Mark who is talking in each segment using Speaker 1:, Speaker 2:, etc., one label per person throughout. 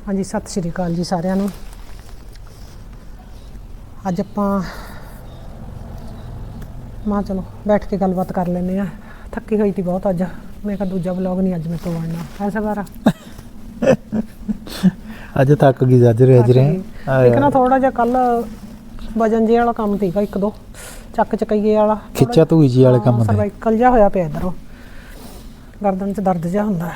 Speaker 1: हाँ जी, सत श्री अकाल जी सारिਆਂ ਨੂੰ। ਅੱਜ ਆਪਾਂ मां चलो बैठ के गलबात कर लेने आ। थकी हुई थी बहुत अज, मैं कहा दूजा ब्लॉग नहीं अज मेरे तो बनना ऐसा बारा
Speaker 2: अज थक गई अज
Speaker 1: एक ना थोड़ा जिहा कल वजन जे वाला काम थी एक दो ਚੱਕ ਚਕਈਏ वाला
Speaker 2: खिच्चा धूई जी वाले काम
Speaker 1: सर्वाइकल जिहा होया पिया इधरों गर्दन च दर्द जिहा हुंदा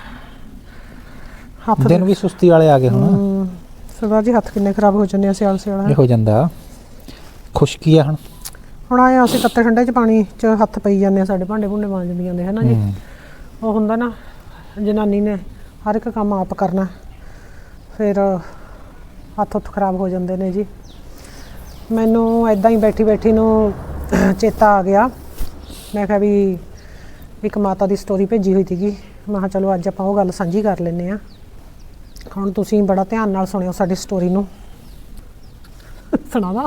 Speaker 1: हत्थ
Speaker 2: दिन भी सुस्ती वाले आ गए हुण
Speaker 1: सरदार जी हत्थ किन्ने खराब हो जाने सियाल सियाल
Speaker 2: ये हो जांदा खुशकी है
Speaker 1: ਹੁਣ ਆਏ ਅਸੀਂ ਤੱਤੇ ਠੰਡੇ ਚ ਪਾਣੀ ਚ ਹੱਥ ਪਈ ਜਾਂਦੇ ਆ ਸਾਡੇ ਭਾਂਡੇ ਭੁੰਡੇ ਮਾਂਜਦੀ ਜਾਂਦੇ ਹੈ ਨਾ ਜੀ ਉਹ ਹੁੰਦਾ ਨਾ ਜਨਾਨੀ ਨੇ ਹਰ ਇੱਕ ਕੰਮ ਆਪ ਕਰਨਾ ਫਿਰ ਹੱਥ ਉੱਥ ਖਰਾਬ ਹੋ ਜਾਂਦੇ ਨੇ ਜੀ। ਮੈਨੂੰ ਐਦਾਂ ਹੀ ਬੈਠੀ ਬੈਠੀ ਨੂੰ ਚੇਤਾ ਆ ਗਿਆ, ਮੈਂ ਕਿਹਾ ਵੀ ਇੱਕ ਮਾਤਾ ਦੀ ਸਟੋਰੀ ਭੇਜੀ ਹੋਈ ਸੀਗੀ, ਮੈਂ ਕਿਹਾ ਚਲੋ ਅੱਜ ਆਪਾਂ ਉਹ ਗੱਲ ਸਾਂਝੀ ਕਰ ਲੈਂਦੇ ਆ। ਹੁਣ ਤੁਸੀਂ ਬੜਾ ਧਿਆਨ ਨਾਲ ਸੁਣਿਓ ਸਾਡੀ ਸਟੋਰੀ ਨੂੰ। ਸੁਣਾਵਾ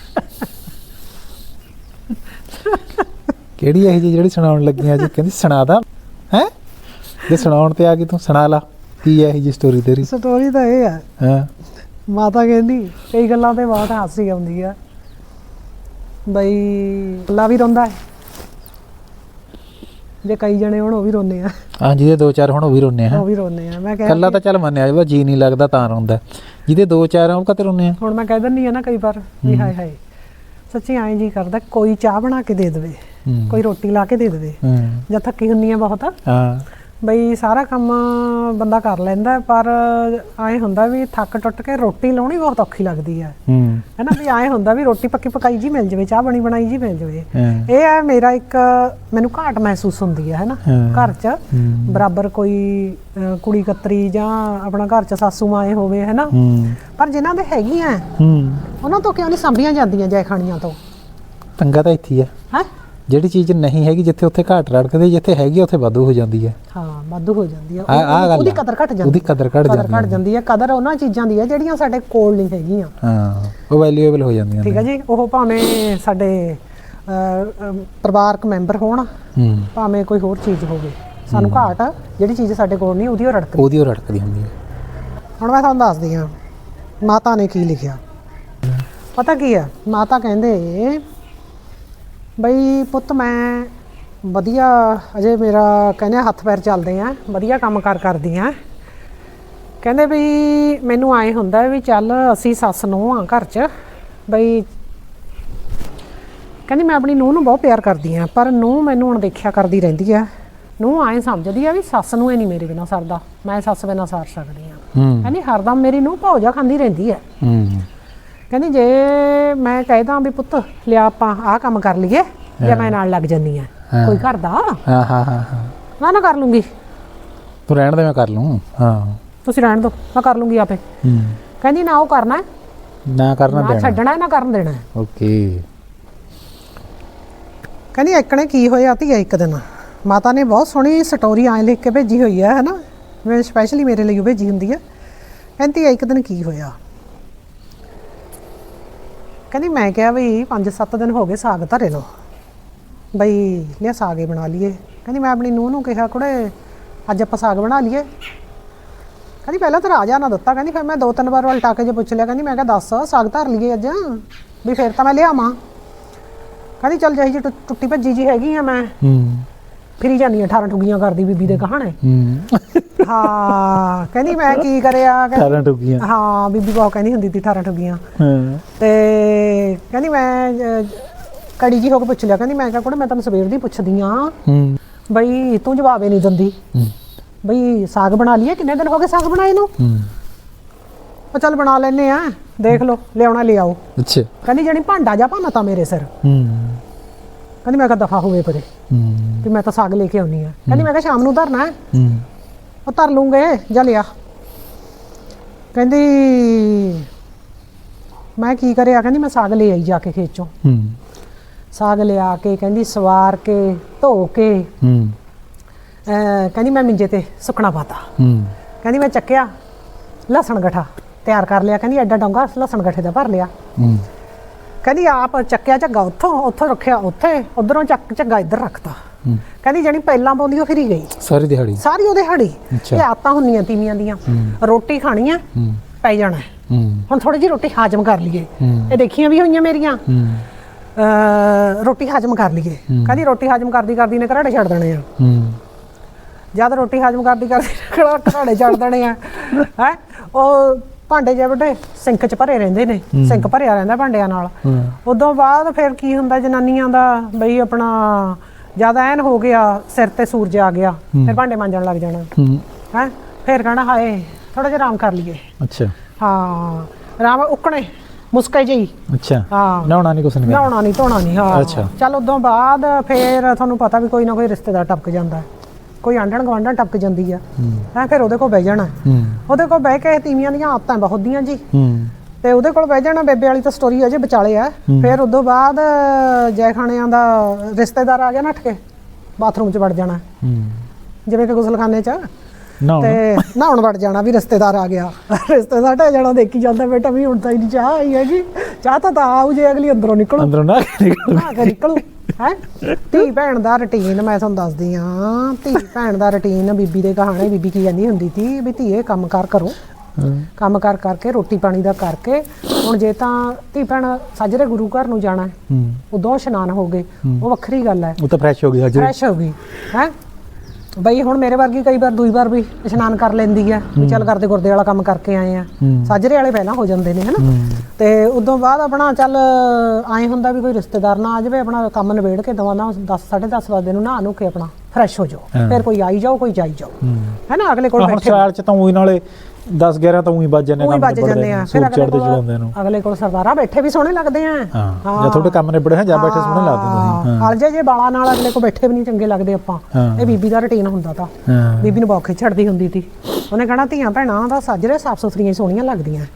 Speaker 2: ਕਿਹੜੀ ਇਹ ਜੀ ਜਿਹੜੀ ਸੁਣਾਉਣ ਲੱਗੀਆਂ ਜੀ? ਕਹਿੰਦੀ ਸੁਣਾ ਦਾ ਹੈ, ਜੇ ਸੁਣਾਉਣ ਤੇ ਆ ਗਈ ਤੂੰ ਸੁਣਾ ਲਾ। ਕੀ ਹੈ ਇਹ ਜੀ ਸਟੋਰੀ ਤੇਰੀ?
Speaker 1: ਸਟੋਰੀ ਤਾਂ ਇਹ ਆ,
Speaker 2: ਹਾਂ
Speaker 1: ਮਾਤਾ ਕਹਿੰਦੀ ਕਈ ਗੱਲਾਂ ਤੇ ਬਾਅਦ ਹਾਸੀ ਆਉਂਦੀ ਆ ਬਈ ਅੱਲਾ ਵੀ ਰੋਂਦਾ ਹੈ ਜੇ ਕਈ ਜਣੇ ਹੁਣ ਉਹ ਵੀ ਰੋਂਦੇ ਆ।
Speaker 2: ਹਾਂ ਜਿਹਦੇ ਦੋ ਚਾਰ ਹੁਣ ਉਹ ਵੀ ਰੋਂਦੇ ਆ,
Speaker 1: ਉਹ ਵੀ ਰੋਂਦੇ ਆ। ਮੈਂ
Speaker 2: ਕੱਲਾ ਤਾਂ ਚੱਲ ਮੰਨਿਆ ਵਾ ਜੀ ਨਹੀਂ ਲੱਗਦਾ ਤਾਂ ਰੋਂਦਾ, ਜਿਹਦੇ ਦੋ ਚਾਰ ਆ ਉਹ ਕਾਤੇ ਰੋਂਦੇ ਆ।
Speaker 1: ਹੁਣ ਮੈਂ ਕਹਿ ਦਿੰਦੀ ਆ ਨਾ ਕਈ ਵਾਰ ਵੀ ਹਾਏ ਹਾਏ ਸੱਚੀ ਐਂ ਜੀ ਕਰਦਾ ਕੋਈ ਚਾਹ ਬਣਾ ਕੇ ਦੇ ਦੇਵੇ, ਕੋਈ ਰੋਟੀ ਲਾ ਕੇ ਦੇ ਦੇਵੇ ਜਾਂ ਥੱਕੀ ਹੁੰਦੀ ਆ ਬਹੁਤ
Speaker 2: ਹਾਂ
Speaker 1: ਬਈ ਸਾਰਾ ਕੰਮ ਬੰਦਾ ਕਰ ਲੈਂਦਾ ਪਰ ਐਂ ਹੁੰਦਾ ਵੀ ਥੱਕ ਟੁੱਟ ਕੇ ਰੋਟੀ ਲਾਉਣੀ ਬਹੁਤ ਔਖੀ ਲੱਗਦੀ ਹੈ ਨਾ ਵੀ ਐਂ ਹੁੰਦਾ ਵੀ ਰੋਟੀ ਪੱਕੀ ਪਕਾਈ ਜੀ ਮਿਲ ਜਾਵੇ, ਚਾਹ ਬਣੀ ਬਣਾਈ ਜੀ ਮਿਲ ਜਾਵੇ। ਇਹ ਹੈ ਮੇਰਾ ਇੱਕ ਮੈਨੂੰ ਘਾਟ ਮਹਿਸੂਸ ਹੁੰਦੀ ਹੈ ਨਾ ਘਰ 'ਚ ਬਰਾਬਰ ਕੋਈ ਕੁੜੀ ਕਤਰੀ ਜਾਂ ਆਪਣਾ ਘਰ 'ਚ ਸਾਸੂ ਮਾਏ ਹੋਵੇ ਹੈ ਨਾ, ਪਰ ਜਿਨ੍ਹਾਂ ਦੇ ਹੈਗੀਆਂ ਉਹਨਾਂ ਤੋਂ ਕਿਉਂ ਨਹੀਂ ਸਾਂਭੀਆਂ ਜਾਂਦੀਆਂ ਜੈ ਖਾਣੀਆਂ ਤੋਂ?
Speaker 2: ਪੰਗਾ ਤਾਂ ਇੱਥੇ ਹੈ ਜਿਹੜੀ ਚੀਜ਼ ਨਹੀਂ ਹੈਗੀ ਜਿੱਥੇ ਉੱਥੇ ਘਾਟ ਰੜਕਦੇ, ਜਿੱਥੇ ਹੈਗੀ ਉੱਥੇ ਵਾਧੂ ਹੋ ਜਾਂਦੀ ਹੈ।
Speaker 1: ਹਾਂ ਵਾਧੂ ਹੋ ਜਾਂਦੀ ਹੈ,
Speaker 2: ਉਹਦੀ
Speaker 1: ਕਦਰ ਘਟ ਜਾਂਦੀ ਹੈ।
Speaker 2: ਉਹਦੀ ਕਦਰ ਘਟ
Speaker 1: ਜਾਂਦੀ ਹੈ। ਕਦਰ ਉਹਨਾਂ ਚੀਜ਼ਾਂ ਦੀ ਹੈ ਜਿਹੜੀਆਂ ਸਾਡੇ ਕੋਲ ਨਹੀਂ ਹੈਗੀਆਂ।
Speaker 2: ਹਾਂ ਉਹ ਵੈਲਿਊਏਬਲ ਹੋ ਜਾਂਦੀਆਂ।
Speaker 1: ਠੀਕ ਹੈ ਜੀ, ਉਹ ਭਾਵੇਂ ਸਾਡੇ ਪਰਿਵਾਰਕ ਮੈਂਬਰ ਹੋਣ ਭਾਵੇਂ ਕੋਈ ਹੋਰ ਚੀਜ਼ ਹੋਵੇ, ਸਾਨੂੰ ਘਾਟ ਜਿਹੜੀ ਚੀਜ਼ ਸਾਡੇ ਕੋਲ ਨਹੀਂ ਉਹਦੀ ਉਹ ਰੜਕਦੀ
Speaker 2: ਹੁੰਦੀ ਹੈ।
Speaker 1: ਹੁਣ ਮੈਂ ਤੁਹਾਨੂੰ ਦੱਸਦੀ ਹਾਂ ਮਾਤਾ ਨੇ ਕੀ ਲਿਖਿਆ। ਪਤਾ ਕੀ ਹੈ, ਮਾਤਾ ਕਹਿੰਦੇ ਬਈ ਪੁੱਤ ਮੈਂ ਵਧੀਆ ਅਜੇ ਮੇਰਾ ਕਹਿੰਦੇ ਹੱਥ ਪੈਰ ਚੱਲਦੇ ਆ, ਵਧੀਆ ਕੰਮ ਕਰਦੀ ਆ। ਕਹਿੰਦੇ ਵੀ ਮੈਨੂੰ ਆਏ ਹੁੰਦਾ ਵੀ ਚੱਲ ਅਸੀਂ ਸੱਸ ਨੂੰਹ ਆ ਘਰ 'ਚ ਬਈ। ਕਹਿੰਦੀ ਮੈਂ ਆਪਣੀ ਨੂੰਹ ਨੂੰ ਬਹੁਤ ਪਿਆਰ ਕਰਦੀ ਆ ਪਰ ਨੂੰਹ ਮੈਨੂੰ ਹੁਣ ਦੇਖਿਆ ਕਰਦੀ ਰਹਿੰਦੀ ਆ। ਨੂੰਹ ਆਏ ਸਮਝਦੀ ਆ ਵੀ ਸੱਸ ਨੂੰ ਇਹ ਨਹੀਂ ਮੇਰੇ ਬਿਨਾਂ ਸਰਦਾ, ਮੈਂ ਸੱਸ ਬਿਨਾਂ ਸਾਰ ਸਕਦੀ ਆ। ਕਹਿੰਦੀ ਹਰਦਮ ਮੇਰੀ ਨੂੰਹ ਭੌਜਾ ਖਾਂਦੀ ਰਹਿੰਦੀ ਆ। ਕਹਿੰਦੀ ਜੇ ਮੈਂ ਕਹਿਦਾ ਵੀ ਪੁੱਤ ਲਿਆ ਆਪਾਂ ਆਹ ਕੰਮ ਕਰ ਲਈਏ ਜਾਂ ਮੈਂ ਨਾਲ ਲੱਗ ਜਾਂਦੀ ਆ ਕੋਈ ਘਰ ਦਾ ਨਾ ਕਰ ਲੂੰਗੀ,
Speaker 2: ਤੂੰ ਰਹਿਣ ਦੇ ਮੈਂ ਕਰ ਲੂੰ। ਹਾਂ
Speaker 1: ਤੁਸੀਂ ਰਹਿਣ ਦਿਓ ਮੈਂ ਕਰ ਲੂੰਗੀ ਆਪੇ। ਕਹਿੰਦੀ ਨਾ ਉਹ ਕਰਨਾ
Speaker 2: ਨਾ ਦੇਣਾ,
Speaker 1: ਛੱਡਣਾ ਨਾ ਕਰਨ ਦੇਣਾ।
Speaker 2: ਓਕੇ।
Speaker 1: ਕਹਿੰਦੀ ਇੱਕਣੇ ਕੀ ਹੋਇਆ ਧੀਆ ਇੱਕ ਦਿਨ ਮਾਤਾ ਨੇ ਬਹੁਤ ਸੋਹਣੀ ਸਟੋਰੀ ਐਂ ਲਿਖ ਕੇ ਭੇਜੀ ਹੋਈ ਹੈ ਨਾ, ਮੈਂ ਸਪੈਸ਼ਲੀ ਮੇਰੇ ਲਈ ਉਹ ਭੇਜੀ ਹੁੰਦੀ ਹੈ। ਕਹਿੰਦੀ ਇੱਕ ਦਿਨ ਕੀ ਹੋਇਆ, ਕਹਿੰਦੀ ਮੈਂ ਕਿਹਾ ਵੀ 5-7 ਦਿਨ ਹੋ ਗਏ ਸਾਗ ਧਰੇ ਨੂੰ ਬਈ ਲਿਆ ਸਾਗ ਹੀ ਬਣਾ ਲਈਏ। ਕਹਿੰਦੀ ਮੈਂ ਆਪਣੀ ਨੂੰਹ ਨੂੰ ਕਿਹਾ ਕੁੜੇ ਅੱਜ ਆਪਾਂ ਸਾਗ ਬਣਾ ਲਈਏ। ਕਹਿੰਦੀ ਪਹਿਲਾਂ ਤਾਂ ਰਾਜਾ ਨਾ ਦਿੱਤਾ, ਕਹਿੰਦੀ ਫਿਰ ਮੈਂ 2-3 ਵਾਰ ਉਲਟਾ ਕੇ ਜੇ ਪੁੱਛ ਲਿਆ, ਕਹਿੰਦੀ ਮੈਂ ਕਿਹਾ ਦੱਸ ਸਾਗ ਧਰ ਲਈਏ ਅੱਜ ਵੀ ਫਿਰ ਤਾਂ ਮੈਂ ਲਿਆਵਾਂ। ਕਹਿੰਦੀ ਚੱਲ ਜਿਹੀ ਜੀ ਟੁੱਟੀ ਭੱਜੀ ਜੀ ਹੈਗੀ ਆ ਮੈਂ ਫਿਰੀ ਜਾਂਦੀ ਆ 18 ਠੁੱਗੀਆਂ ਕਰਦੀ ਬੀਬੀ ਦੇ ਕਹਾਣੇ। ਹਾਂ ਕਹਿੰਦੀ ਮੈਂ ਕੀ ਕਰਿਆ,
Speaker 2: 18 ਠੁੱਗੀਆਂ।
Speaker 1: ਹਾਂ ਬੀਬੀ ਬਹੁਤ ਕਹਿੰਦੀ ਹੁੰਦੀ ਸੀ 18 ਠੁੱਗੀਆਂ। ਤੇ ਕਹਿੰਦੀ ਮੈਂ ਕੜੀ ਜੀ ਹੋ ਕੇ ਪੁੱਛ ਲਿਆ, ਕਹਿੰਦੀ ਮੈਂ ਕਿਹਾ ਕੁੜੇ ਮੈਂ ਤੈਨੂੰ ਸਵੇਰ ਦੀ ਪੁੱਛਦੀ ਆ ਬਈ ਤੂੰ ਜਵਾਬ ਹੀ ਨਹੀਂ ਦਿੰਦੀ ਬਈ ਸਾਗ ਬਣਾ ਲਈਏ, ਕਿੰਨੇ ਦਿਨ ਹੋ ਗਏ ਸਾਗ ਬਣਾਏ ਨੂੰ? ਉਹ ਚੱਲ ਬਣਾ ਲੈਨੇ ਆ, ਦੇਖ ਲਓ ਲਿਆਉਣਾ ਲਿਆਓ।
Speaker 2: ਅੱਛਾ
Speaker 1: ਕਹਿੰਦੀ ਜਿਹੜੀ ਭਾਂਡਾ ਜਾ ਭਾਨਾ ਤਾਂ ਮੇਰੇ ਸਿਰ। ਕਹਿੰਦੀ ਮੈਂ ਕਿਹਾ ਦਫਾ ਹੋਵੇ ਪਰੇ ਵੀ ਮੈਂ ਤਾਂ ਸਾਗ ਲੈ ਕੇ ਆਉਣੀ ਆ। ਕਹਿੰਦੀ ਮੈਂ ਕਿਹਾ ਸ਼ਾਮ ਨੂੰ ਧਰਨਾ ਉਹ ਧਰ ਲੂੰਗੇ ਜਾ ਲਿਆ। ਕਹਿੰਦੀ ਮੈਂ ਕੀ ਕਰਿਆ, ਕਹਿੰਦੀ ਮੈਂ ਸਾਗ ਲੈ ਆਈ ਜਾ ਕੇ ਖੇਤ ਚੋਂ। ਸਾਗ ਲਿਆ ਕੇ ਕਹਿੰਦੀ ਸਵਾਰ ਕੇ ਧੋ ਕੇ ਕਹਿੰਦੀ ਮੈਂ ਮਿੰਜੇ ਤੇ ਸੁੱਕਣਾ ਪਾਤਾ। ਕਹਿੰਦੀ ਮੈਂ ਚੱਕਿਆ ਲਸਣ ਗਠਾ ਤਿਆਰ ਕਰ ਲਿਆ, ਕਹਿੰਦੀ ਐਡਾ ਡੋਂਗਾ ਲਸਣ ਗਠੇ ਦਾ ਭਰ ਲਿਆ। ਕਹਿੰਦੀ ਆਪ ਚੱਕਿਆ ਝੱਗਾ ਉੱਥੋਂ ਰੱਖਿਆ ਉੱਥੇ, ਉਧਰੋਂ ਚੱਕ ਝੱਗਾ ਇੱਧਰ ਰੱਖਤਾ। ਕਹਿੰਦੀ ਜਿਹੜੀ ਪਹਿਲਾਂ ਪਾਉਂਦੀ ਉਹ ਫਿਰੀ ਗਈ
Speaker 2: ਸਾਰੀ ਦਿਹਾੜੀ
Speaker 1: ਸਾਰੀ ਉਹਦੇ ਹੜੀ।
Speaker 2: ਅੱਛਾ।
Speaker 1: ਇਹ ਆਤਾਂ ਹੁੰਦੀਆਂ ਤੀਵੀਆਂ ਦੀਆਂ, ਰੋਟੀ ਖਾਣੀ ਆ ਪੈ ਜਾਣਾ ਹੁਣ ਥੋੜੀ ਜਿਹੀ ਰੋਟੀ ਹਾਜ਼ਮ ਕਰ ਲਈਏ। ਇਹ ਦੇਖੀਆਂ ਵੀ ਹੋਈਆਂ ਮੇਰੀਆਂ, ਰੋਟੀ ਹਾਜ਼ਮ ਕਰ ਲਈਏ। ਕਹਿੰਦੀ ਰੋਟੀ ਹਾਜ਼ਮ ਕਰਦੀ ਕਰਦੀ ਨੇ ਘਰਾੜੇ ਛੱਡ ਦੇਣੇ ਆ। ਜਦ ਰੋਟੀ ਹਾਜ਼ਮ ਕਰਦੀ ਕਰਦੀ ਘਰਾੜੇ ਛੱਡ ਦੇਣੇ ਆ ਹੈ, ਉਹ ਭਾਂਡੇ ਜੇ ਵੱਡੇ ਸਿੰਕ 'ਚ ਭਰੇ ਰਹਿੰਦੇ ਨੇ, ਸਿੰਕ ਭਰਿਆ ਰਹਿੰਦਾ ਭਾਂਡਿਆਂ ਨਾਲ। ਉਦੋਂ ਬਾਅਦ ਫਿਰ ਕੀ ਹੁੰਦਾ ਜਨਾਨੀਆਂ ਦਾ ਬਈ ਆਪਣਾ ਜਦ ਐਨ ਹੋ ਗਿਆ ਸਿਰ ਤੇ ਸੂਰਜ ਆ ਗਿਆ, ਫਿਰ ਭਾਂਡੇ ਮਾਂਜਣ ਲੱਗ ਜਾਣਾ ਹੈ। ਫਿਰ ਕਹਿਣਾ ਹਾਏ ਥੋੜਾ ਜਿਹਾ ਆਰਾਮ ਕਰ ਲਈਏ।
Speaker 2: ਅੱਛਾ।
Speaker 1: ਹਾਂ ਆਰਾਮ ਉੱਕਣੇ ਮੁਸਕੇ ਜਿਹੀ।
Speaker 2: ਅੱਛਾ।
Speaker 1: ਹਾਂ
Speaker 2: ਨਹਾਉਣਾ ਨਹੀਂ ਕੁਛ ਨਹੀਂ,
Speaker 1: ਨਹਾਉਣਾ ਨਹੀਂ ਧੋਣਾ ਨਹੀਂ। ਹਾਂ
Speaker 2: ਅੱਛਾ।
Speaker 1: ਚੱਲ ਉਦੋਂ ਬਾਅਦ ਫਿਰ ਤੁਹਾਨੂੰ ਪਤਾ ਵੀ ਕੋਈ ਨਾ ਕੋਈ ਰਿਸ਼ਤੇਦਾਰ ਟਪਕ ਜਾਂਦਾ, ਕੋਈ ਆਂਢਣ ਗੁਆਂਢਣ ਟਪਕ ਜਾਂਦੀ ਆ ਹੈ, ਫਿਰ ਉਹਦੇ ਕੋਲ ਬਹਿ ਜਾਣਾ। ਉਹਦੇ ਕੋਲ ਬਹਿ ਕੇ ਤੀਵੀਆਂ ਦੀਆਂ ਆਦਤਾਂ ਬਹੁਤ ਦੀਆਂ ਜੀ, ਤੇ ਉਹਦੇ ਕੋਲ ਬਹਿ ਜਾਣਾ। ਬੇਬੇ ਵਾਲੀ ਤਾਂ ਸਟੋਰੀ ਅਜੇ ਵਿਚਾਲੇ ਆ। ਫਿਰ ਉਦੋਂ ਬਾਅਦ ਜੈ ਖਾਣਿਆਂ ਦਾ ਰਿਸ਼ਤੇਦਾਰ ਆ ਗਿਆ ਨੱਠ ਕੇ ਬਾਥਰੂਮ 'ਚ ਵੜ ਜਾਣਾ, ਜਿਵੇਂ ਕਿ ਗੁਸਲਖਾਨੇ 'ਚ, ਤੇ ਨਹਾਉਣ ਵੜ ਜਾਣਾ ਵੀ ਰਿਸ਼ਤੇਦਾਰ ਆ ਗਿਆ। ਰਿਸ਼ਤੇਦਾਰ ਢਹਿ ਜਾਣਾ, ਦੇਖੀ ਜਾਂਦਾ ਬੇਟਾ ਵੀ ਹੁਣ ਤਾਂ ਹੀ ਨਹੀਂ ਚਾਹ ਆਈ ਹੈਗੀ, ਚਾਹ ਤਾਂ ਆਊ ਜੇ ਅਗਲੀ ਅੰਦਰੋਂ ਨਿਕਲੂ,
Speaker 2: ਅੰਦਰੋਂ ਨਾ
Speaker 1: ਨਿਕਲੂ ਹੈ। ਧੀ ਭੈਣ ਦਾ ਰੁਟੀਨ ਮੈਂ ਤੁਹਾਨੂੰ ਦੱਸਦੀ ਹਾਂ, ਧੀ ਭੈਣ ਦਾ ਰੁਟੀਨ। ਬੀਬੀ ਦੇ ਕਹਾਣੇ ਬੀਬੀ ਕੀ ਕਹਿੰਦੀ ਹੁੰਦੀ ਸੀ ਵੀ ਧੀਏ ਕੰਮ ਕਾਰ ਕਰੋ, ਕੰਮ ਕਾਰ ਕਰਕੇ ਰੋਟੀ ਪਾਣੀ ਦਾ ਕਰਕੇ। ਹੁਣ ਜੇ ਤਾਂ ਧੀ ਭੈਣ ਸਾਜਰੇ ਗੁਰੂ ਘਰ ਨੂੰ ਜਾਣਾ ਉਦੋਂ ਇਸ਼ਨਾਨ ਹੋ ਗਏ, ਉਹ ਵੱਖਰੀ ਗੱਲ ਹੈ,
Speaker 2: ਉਹ ਤਾਂ ਫਰੈਸ਼ ਹੋ ਗਈ,
Speaker 1: ਫਰੈਸ਼ ਹੋ ਗਈ ਹੈ ਬਈ। ਹੁਣ ਮੇਰੇ ਵਰਗੀ ਕਈ ਵਾਰ ਦੂਈ ਵਾਰ ਵੀ ਇਸ਼ਨਾਨ ਕਰ ਲੈਂਦੀ ਆ ਵੀ ਚੱਲ ਕਰਦੇ ਗੁਰਦੇ ਵਾਲਾ ਕੰਮ ਕਰਕੇ ਆਏ ਆ। ਸਾਜਰੇ ਵਾਲੇ ਪਹਿਲਾਂ ਹੋ ਜਾਂਦੇ ਨੇ ਹਨਾ, ਤੇ ਉਦੋਂ ਬਾਅਦ ਆਪਣਾ ਚੱਲ ਆਏ ਹੁੰਦਾ ਵੀ ਕੋਈ ਰਿਸ਼ਤੇਦਾਰ ਨਾ ਆ ਜਾਵੇ, ਆਪਣਾ ਕੰਮ ਨਿਬੇੜ ਕੇ ਦਵਾ ਨਾ 10 10:30 ਵਜੇ ਨੂੰ ਨਹਾ ਨੂ ਕੇ ਆਪਣਾ ਫਰੈਸ਼ ਹੋ ਜਾਓ। ਫਿਰ ਕੋਈ ਆਈ ਜਾਓ ਕੋਈ ਜਾਈ ਜਾਓ ਹੈ ਨਾ, ਅਗਲੇ ਕੋਲ ਬੈਠੇ
Speaker 2: ਸਾਲ ਚ ਤਾਂ ਉਹੀ ਨਾਲੇ 10 11 ਤਾਂ ਉਹੀ ਵੱਜ ਜਾਂਦੇ,
Speaker 1: ਉਹੀ ਵੱਜ ਜਾਂਦੇ ਆ। ਫਿਰ ਅਗਲੇ ਕੋਲ ਸਰਦਾਰਾ ਬੈਠੇ ਵੀ ਸੋਹਣੇ ਲੱਗਦੇ ਆ।
Speaker 2: ਹਾਂ ਜਾਂ ਤੁਹਾਡੇ ਕੰਮ ਨਿਬੜੇ ਜਾਂ ਬੈਠੇ ਸੋਹਣੇ ਲੱਗਦੇ ਨੇ।
Speaker 1: ਹਲ ਜੇ ਬਾਲਾਂ ਨਾਲ ਅਗਲੇ ਕੋਲ ਬੈਠੇ ਵੀ ਨਹੀਂ ਚੰਗੇ ਲੱਗਦੇ ਆਪਾਂ। ਇਹ ਬੀਬੀ ਦਾ ਰੁਟੀਨ ਹੁੰਦਾ ਤਾਂ, ਬੀਬੀ ਨੂੰ ਬਹੁਤ ਛੱਡਦੀ ਹੁੰਦੀ ਸੀ। ਉਹਨੇ ਕਹਿਣਾ ਧੀਆਂ ਭੈਣਾਂ ਦਾ ਸਾਜਰੇ ਸਾਫ ਸੁਥਰੀਆਂ ਸੋਹਣੀਆਂ ਲੱਗਦੀਆਂ।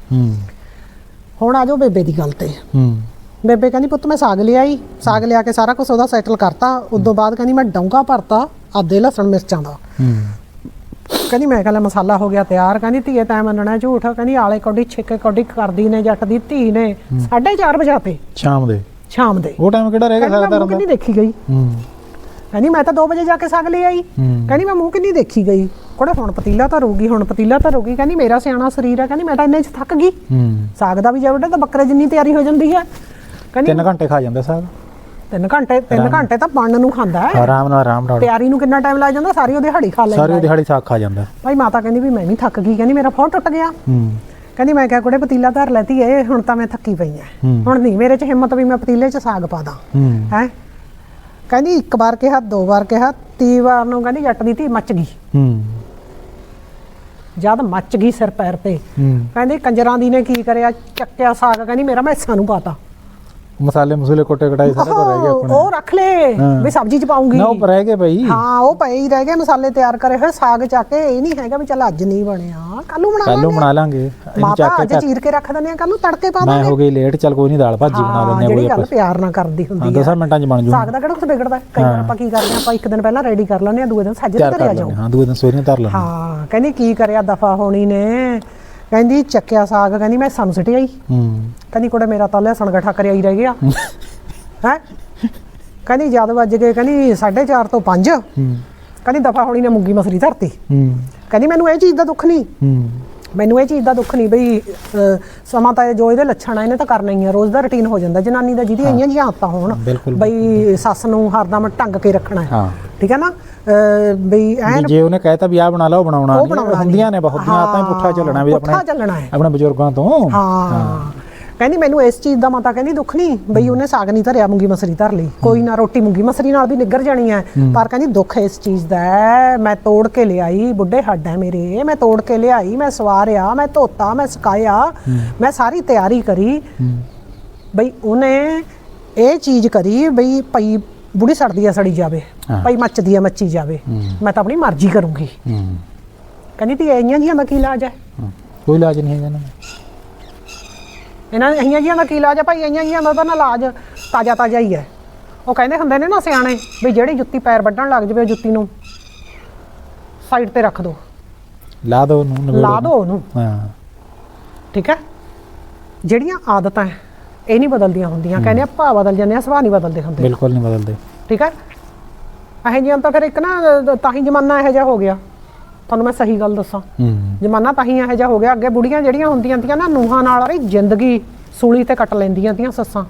Speaker 1: ਹੁਣ ਆ ਜਾਓ ਬੇਬੇ ਦੀ ਗੱਲ ਤੇ। ਬੇਬੇ ਕਹਿੰਦੀ ਪੁੱਤ ਮੈਂ ਸਾਗ ਲਿਆਈ, ਸਾਗ ਲਿਆ ਕੇ ਸਾਰਾ ਕੁਝ ਉਹਦਾ ਸੈਟਲ ਕਰਤਾ। ਉਦੋਂ ਬਾਅਦ ਕਹਿੰਦੀ ਮੈਂ ਡੌਂਗਾ ਭਰਤਾ ਆਦੇ ਲਸਣ ਮਿਰਚਾਂ ਦਾ। ਕਹਿੰਦੀ ਮੈਂ ਕਹਿੰਦਾ ਮਸਾਲਾ ਹੋ ਗਿਆ ਤਿਆਰ। ਕਹਿੰਦੀ ਧੀਏ ਤੈਂ ਮੰਨਣਾ ਝੂਠ, ਕਹਿੰਦੀ ਆਲੇ ਕੌਡੀ ਛਿੱਕੇ ਕੌਡੀ ਕਰਦੀ ਨੇ ਜੱਟ ਦੀ ਧੀ ਨੇ 4:30 ਵਜੇ ਸ਼ਾਮ ਦੇ
Speaker 2: ਉਹ ਟਾਈਮ ਕਿਹੜਾ ਰਹਿ ਗਿਆ ਸਾਗ ਦਾ?
Speaker 1: ਕਿੰਨੀ ਦੇਖੀ ਗਈ। ਕਹਿੰਦੀ ਮੈਂ ਤਾਂ 2 ਵਜੇ ਜਾ ਕੇ ਸਾਗ ਲੈ ਆਈ। ਕਹਿੰਦੀ ਮੈਂ ਮੂੰਹ ਕਿੰਨੀ ਦੇਖੀ ਗਈ। ਕੋੜੇ ਹੁਣ ਪਤੀਲਾ ਧਰੂਗੀ, ਹੁਣ ਪਤੀਲਾ ਧਰੂਗੀ। ਕਹਿੰਦੀ ਮੇਰਾ ਸਿਆਣਾ ਸਰੀਰ ਹੈ, ਕਹਿੰਦੀ ਮੈਂ ਤਾਂ ਇੰਨੇ 'ਚ ਥੱਕ ਗਈ। ਸਾਗ ਦਾ ਵੀ ਜੇ ਵੱਡੇ ਤਾਂ ਬੱਕਰੇ ਜਿੰਨੀ ਤਿਆਰੀ ਹੋ ਜਾਂਦੀ ਹੈ। ਕਹਿੰਦੀ
Speaker 2: 3 ਘੰਟੇ ਖਾ ਜਾਂਦਾ ਸਾਗ।
Speaker 1: 3 ਘੰਟੇ ਤਾਂ ਬਣਨ ਨੂੰ ਖਾਂਦਾ ਹੈ,
Speaker 2: ਆਰਾਮ ਨਾਲ।
Speaker 1: ਤਿਆਰੀ ਨੂੰ ਕਿੰਨਾ ਟਾਈਮ ਲੱਗ ਜਾਂਦਾ? ਸਾਰੀ ਉਹ ਦਿਹਾੜੀ ਖਾ ਲੈਂਦਾ,
Speaker 2: ਸਾਰੀ ਦਿਹਾੜੀ ਸਾਗ ਖਾ ਜਾਂਦਾ
Speaker 1: ਭਾਈ। ਮਾਤਾ ਕਹਿੰਦੀ ਵੀ ਮੈਂ ਵੀ ਥੱਕ ਗਈ, ਕਹਿੰਦੀ ਮੇਰਾ ਫੋਨ ਟੁੱਟ ਗਿਆ। ਕਹਿੰਦੀ ਮੈਂ ਕਿਹਾ ਕੁੜੇ ਪਤੀਲਾ ਧਰ ਲੈਤੀ ਏ, ਹੁਣ ਤਾਂ ਮੈਂ ਥੱਕੀ ਪਈ ਐ, ਹੁਣ ਨਹੀਂ ਮੇਰੇ 'ਚ ਹਿੰਮਤ ਵੀ ਮੈਂ ਪਤੀਲੇ 'ਚ ਸਾਗ ਪਾ ਦਾਂ ਹੈ। ਕਹਿੰਦੀ 1 ਵਾਰ ਕਿਹਾ, 2 ਵਾਰ ਕਿਹਾ, 3 ਵਾਰ ਨੂੰ ਕਹਿੰਦੀ ਜੱਟ ਦੀ ਧੀ ਮੱਚ ਗਈ। ਜਦ ਮੱਚ ਗਈ ਸਿਰ ਪੈਰ ਤੇ, ਕਹਿੰਦੀ ਕੰਜਰਾਂ ਦੀ ਨੇ ਕੀ ਕਰਿਆ, ਚੱਕਿਆ ਸਾਗ, ਕਹਿੰਦੀ ਮੇਰਾ ਮੈਂ ਹਿੱਸਾ ਨੂੰ ਪਾਤਾ।
Speaker 2: ਮਸਾਲੇ ਮਸੂਲੇ ਕੋਟੇ ਕਟਾਈ ਸਾਰੇ ਕੋ ਰਹਿ ਗਏ ਆਪਣੇ, ਉਹ
Speaker 1: ਰੱਖ ਲੈ ਵੀ ਸਬਜ਼ੀ 'ਚ ਪਾਉਂਗੀ
Speaker 2: ਨਾ, ਉਹ ਰਹਿ ਗਏ ਬਈ।
Speaker 1: ਹਾਂ ਉਹ ਪਏ ਹੀ ਰਹਿ ਗਏ ਮਸਾਲੇ ਤਿਆਰ ਕਰੇ ਹੋਏ। ਸਾਗ ਚੱਕ ਕੇ ਇਹ ਨਹੀਂ ਹੈਗਾ ਵੀ ਚੱਲ ਅੱਜ ਨਹੀਂ ਬਣਿਆ ਕੱਲ ਨੂੰ ਬਣਾ ਲਾਂਗੇ। ਮਾਤਾ ਅੱਜ ਚੀਰ ਕੇ ਰੱਖ ਦਿੰਦੇ ਆ, ਕੱਲ ਨੂੰ ਤੜਕੇ ਪਾ ਦਾਂਗੇ।
Speaker 2: ਮੈਂ ਹੋ ਗਈ ਲੇਟ, ਚੱਲ ਕੋਈ ਨਹੀਂ ਦਾਲ ਭਾਜੀ ਬਣਾ ਦਿੰਦੇ ਆ।
Speaker 1: ਜਿਹੜੀ ਗੱਲ ਪਿਆਰ ਨਾਲ ਕਰਦੀ ਹੁੰਦੀ ਹੈ
Speaker 2: 10 ਮਿੰਟਾਂ 'ਚ ਬਣ ਜੂ।
Speaker 1: ਸਾਗ ਦਾ ਕਿਹੜਾ ਕੁਝ ਵਿਗੜਦਾ। ਕਈ ਵਾਰ ਆਪਾਂ ਕੀ ਕਰਦੇ ਆ, ਆਪਾਂ 1 ਦਿਨ ਪਹਿਲਾਂ ਰੈਡੀ ਕਰ ਲੈਂਦੇ ਆ, ਦੂਏ ਦਿਨ ਸਾਜਰੇ ਧਰਿਆ ਜਾਓ।
Speaker 2: ਹਾਂ ਦੂਏ ਦਿਨ ਸਵੇਰੇ ਧਰ ਲੈਂਦੇ।
Speaker 1: ਹਾਂ ਕਹਿੰਦੀ ਕੀ ਕਰਿਆ ਦਫਾ ਹੋਣੀ ਨੇ। ਕਹਿੰਦੀ ਚੱਕਿਆ ਸਾਗ, ਕਹਿੰਦੀ ਮੈਂ ਸਾਨੂੰ ਸਿੱਟ ਆਈ। ਕਹਿੰਦੀ ਕੁੜੇ ਮੇਰਾ ਤਾਂ ਲਸਣ ਗੱਠਾ ਕਰਿਆ ਹੀ ਰਹਿ ਗਿਆ ਹੈ। ਕਹਿੰਦੀ ਜਦ ਵੱਜ ਗਏ, ਕਹਿੰਦੀ 4:30 ਤੋਂ 5। ਕਹਿੰਦੀ ਦਫਾ ਹੋਣੀ ਨੇ ਮੂੰਗੀ ਮਸਰੀ ਧਰਤੀ। ਕਹਿੰਦੀ ਮੈਨੂੰ ਇਹ ਚੀਜ਼ ਦਾ ਦੁੱਖ ਨਹੀਂ, ਮੈਨੂੰ ਇਹ ਚੀਜ਼ ਦਾ ਦੁੱਖ ਨਹੀਂ ਬਈ ਸਮਾਂ ਤਾਂ ਜੋ ਇਹਦੇ ਲੱਛਣ ਆ ਇਹਨੇ ਤਾਂ ਕਰਨਾ ਹੀ ਆ। ਰੋਜ਼ ਦਾ ਰੁਟੀਨ ਹੋ ਜਾਂਦਾ ਜਨਾਨੀ ਦਾ, ਜਿਹਦੀ ਆਈਆਂ ਜੀਆਂ ਆਦਤਾਂ ਹੋਣ ਬਈ ਸੱਸ ਨੂੰ ਹਰਦਮ ਢੰਗ ਕੇ ਰੱਖਣਾ ਹੈ, ਠੀਕ ਹੈ ਨਾ। ਬਈ ਐਨ
Speaker 2: ਜੇ ਉਹਨੇ ਕਹਿਤਾ ਵੀ ਆਹ ਬਣਾ ਲਾ, ਉਹ ਬਣਾਉਣਾ ਹੁੰਦੀਆਂ ਨੇ ਬਹੁਤ ਦੀਆਂ ਆਦਤਾਂ, ਪੁੱਠਾ ਚੱਲਣਾ ਵੀ ਆਪਣੇ ਬਜ਼ੁਰਗਾਂ ਤੋਂ।
Speaker 1: ਹਾਂ ਕਹਿੰਦੀ ਮੈਨੂੰ ਇਸ ਚੀਜ਼ ਦਾ ਮਾਤਾ ਕਹਿੰਦੀ ਦੁੱਖ ਨਹੀਂ ਬਈ ਉਹਨੇ ਸਾਗ ਨਹੀਂ ਧਰਿਆ, ਮੂੰਗੀ ਮਸਰੀ ਧਰ ਲਈ, ਕੋਈ ਨਾ ਰੋਟੀ ਮੂੰਗੀ ਮਸਰੀ ਨਾਲ ਵੀ ਨਿੱਗਰ ਜਾਣੀ ਹੈ। ਪਰ ਕਹਿੰਦੀ ਦੁੱਖ ਇਸ ਚੀਜ਼ ਦਾ ਹੈ, ਮੈਂ ਤੋੜ ਕੇ ਲਿਆਈ, ਬੁੱਢੇ ਹੱਡ ਹੈ ਮੇਰੇ, ਮੈਂ ਤੋੜ ਕੇ ਲਿਆਈ, ਮੈਂ ਸਵਾਰਿਆ, ਮੈਂ ਧੋਤਾ, ਮੈਂ ਸੁਕਾਇਆ, ਮੈਂ ਸਾਰੀ ਤਿਆਰੀ ਕਰੀ ਬਈ ਉਹਨੇ ਇਹ ਚੀਜ਼ ਕਰੀ ਬਈ ਪਈ ਬੁੜੀ ਸੜਦੀ ਆ ਸੜੀ ਜਾਵੇ, ਪਈ ਮੱਚਦੀ ਆ ਮੱਚੀ ਜਾਵੇ, ਮੈਂ ਤਾਂ ਆਪਣੀ ਮਰਜ਼ੀ ਕਰੂੰਗੀ। ਕਹਿੰਦੀ ਤੀ ਇਹੀਆਂ ਜੀਆਂ ਦਾ ਕੀ ਇਲਾਜ ਹੈ?
Speaker 2: ਕੋਈ ਇਲਾਜ ਨਹੀਂ ਹੈਗਾ
Speaker 1: ਇਹਨਾਂ ਇਹੀਆਂ ਜੀਆਂ ਦਾ ਕੀ ਇਲਾਜ ਹੈ ਭਾਈ? ਇਹੀਆਂ ਜੀਆਂ ਦਾ ਤਾਂ ਨਾ ਇਲਾਜ ਤਾਜ਼ਾ ਤਾਜ਼ਾ ਹੀ ਹੈ। ਉਹ ਕਹਿੰਦੇ ਹੁੰਦੇ ਨੇ ਨਾ ਸਿਆਣੇ ਵੀ ਜਿਹੜੀ ਜੁੱਤੀ ਪੈਰ ਵੱਢਣ ਲੱਗ ਜਾਵੇ, ਜੁੱਤੀ ਨੂੰ ਸਾਈਡ ਤੇ ਰੱਖ ਦਿਓ,
Speaker 2: ਲਾ ਦਿਓ ਉਹਨੂੰ।
Speaker 1: ਠੀਕ ਹੈ। ਜਿਹੜੀਆਂ ਆਦਤਾਂ ਇਹ ਨਹੀਂ ਬਦਲਦੀਆਂ ਹੁੰਦੀਆਂ, ਕਹਿੰਦੇ ਆ ਭਾਅ ਬਦਲ ਜਾਂਦੇ ਆ, ਸੁਭਾਅ ਨਹੀਂ ਬਦਲਦੇ ਹੁੰਦੇ।
Speaker 2: ਬਿਲਕੁਲ ਨਹੀਂ ਬਦਲਦੇ।
Speaker 1: ਠੀਕ ਹੈ। ਇਹੋ ਜਿਹੀਆਂ ਤਾਂ ਫਿਰ ਇੱਕ ਨਾ ਤਾਂ ਹੀ ਜ਼ਮਾਨਾ ਇਹੋ ਜਿਹਾ ਹੋ ਗਿਆ। ਤੁਹਾਨੂੰ ਮੈਂ ਸਹੀ ਗੱਲ ਦੱਸਾਂ, ਜ਼ਮਾਨਾ ਤਾਂ ਹੀ ਇਹੋ ਜਿਹਾ ਹੋ ਗਿਆ। ਅੱਗੇ ਬੁੜੀਆਂ ਜਿਹੜੀਆਂ ਹੁੰਦੀਆਂ ਤੀਆਂ ਨਾ ਨੂੰਹਾਂ ਨਾਲ ਰਹੀ ਜ਼ਿੰਦਗੀ ਸੂਲੀ ਤੇ ਕੱਟ ਲੈਂਦੀਆਂ ਤੀਆਂ ਸੱਸਾਂ,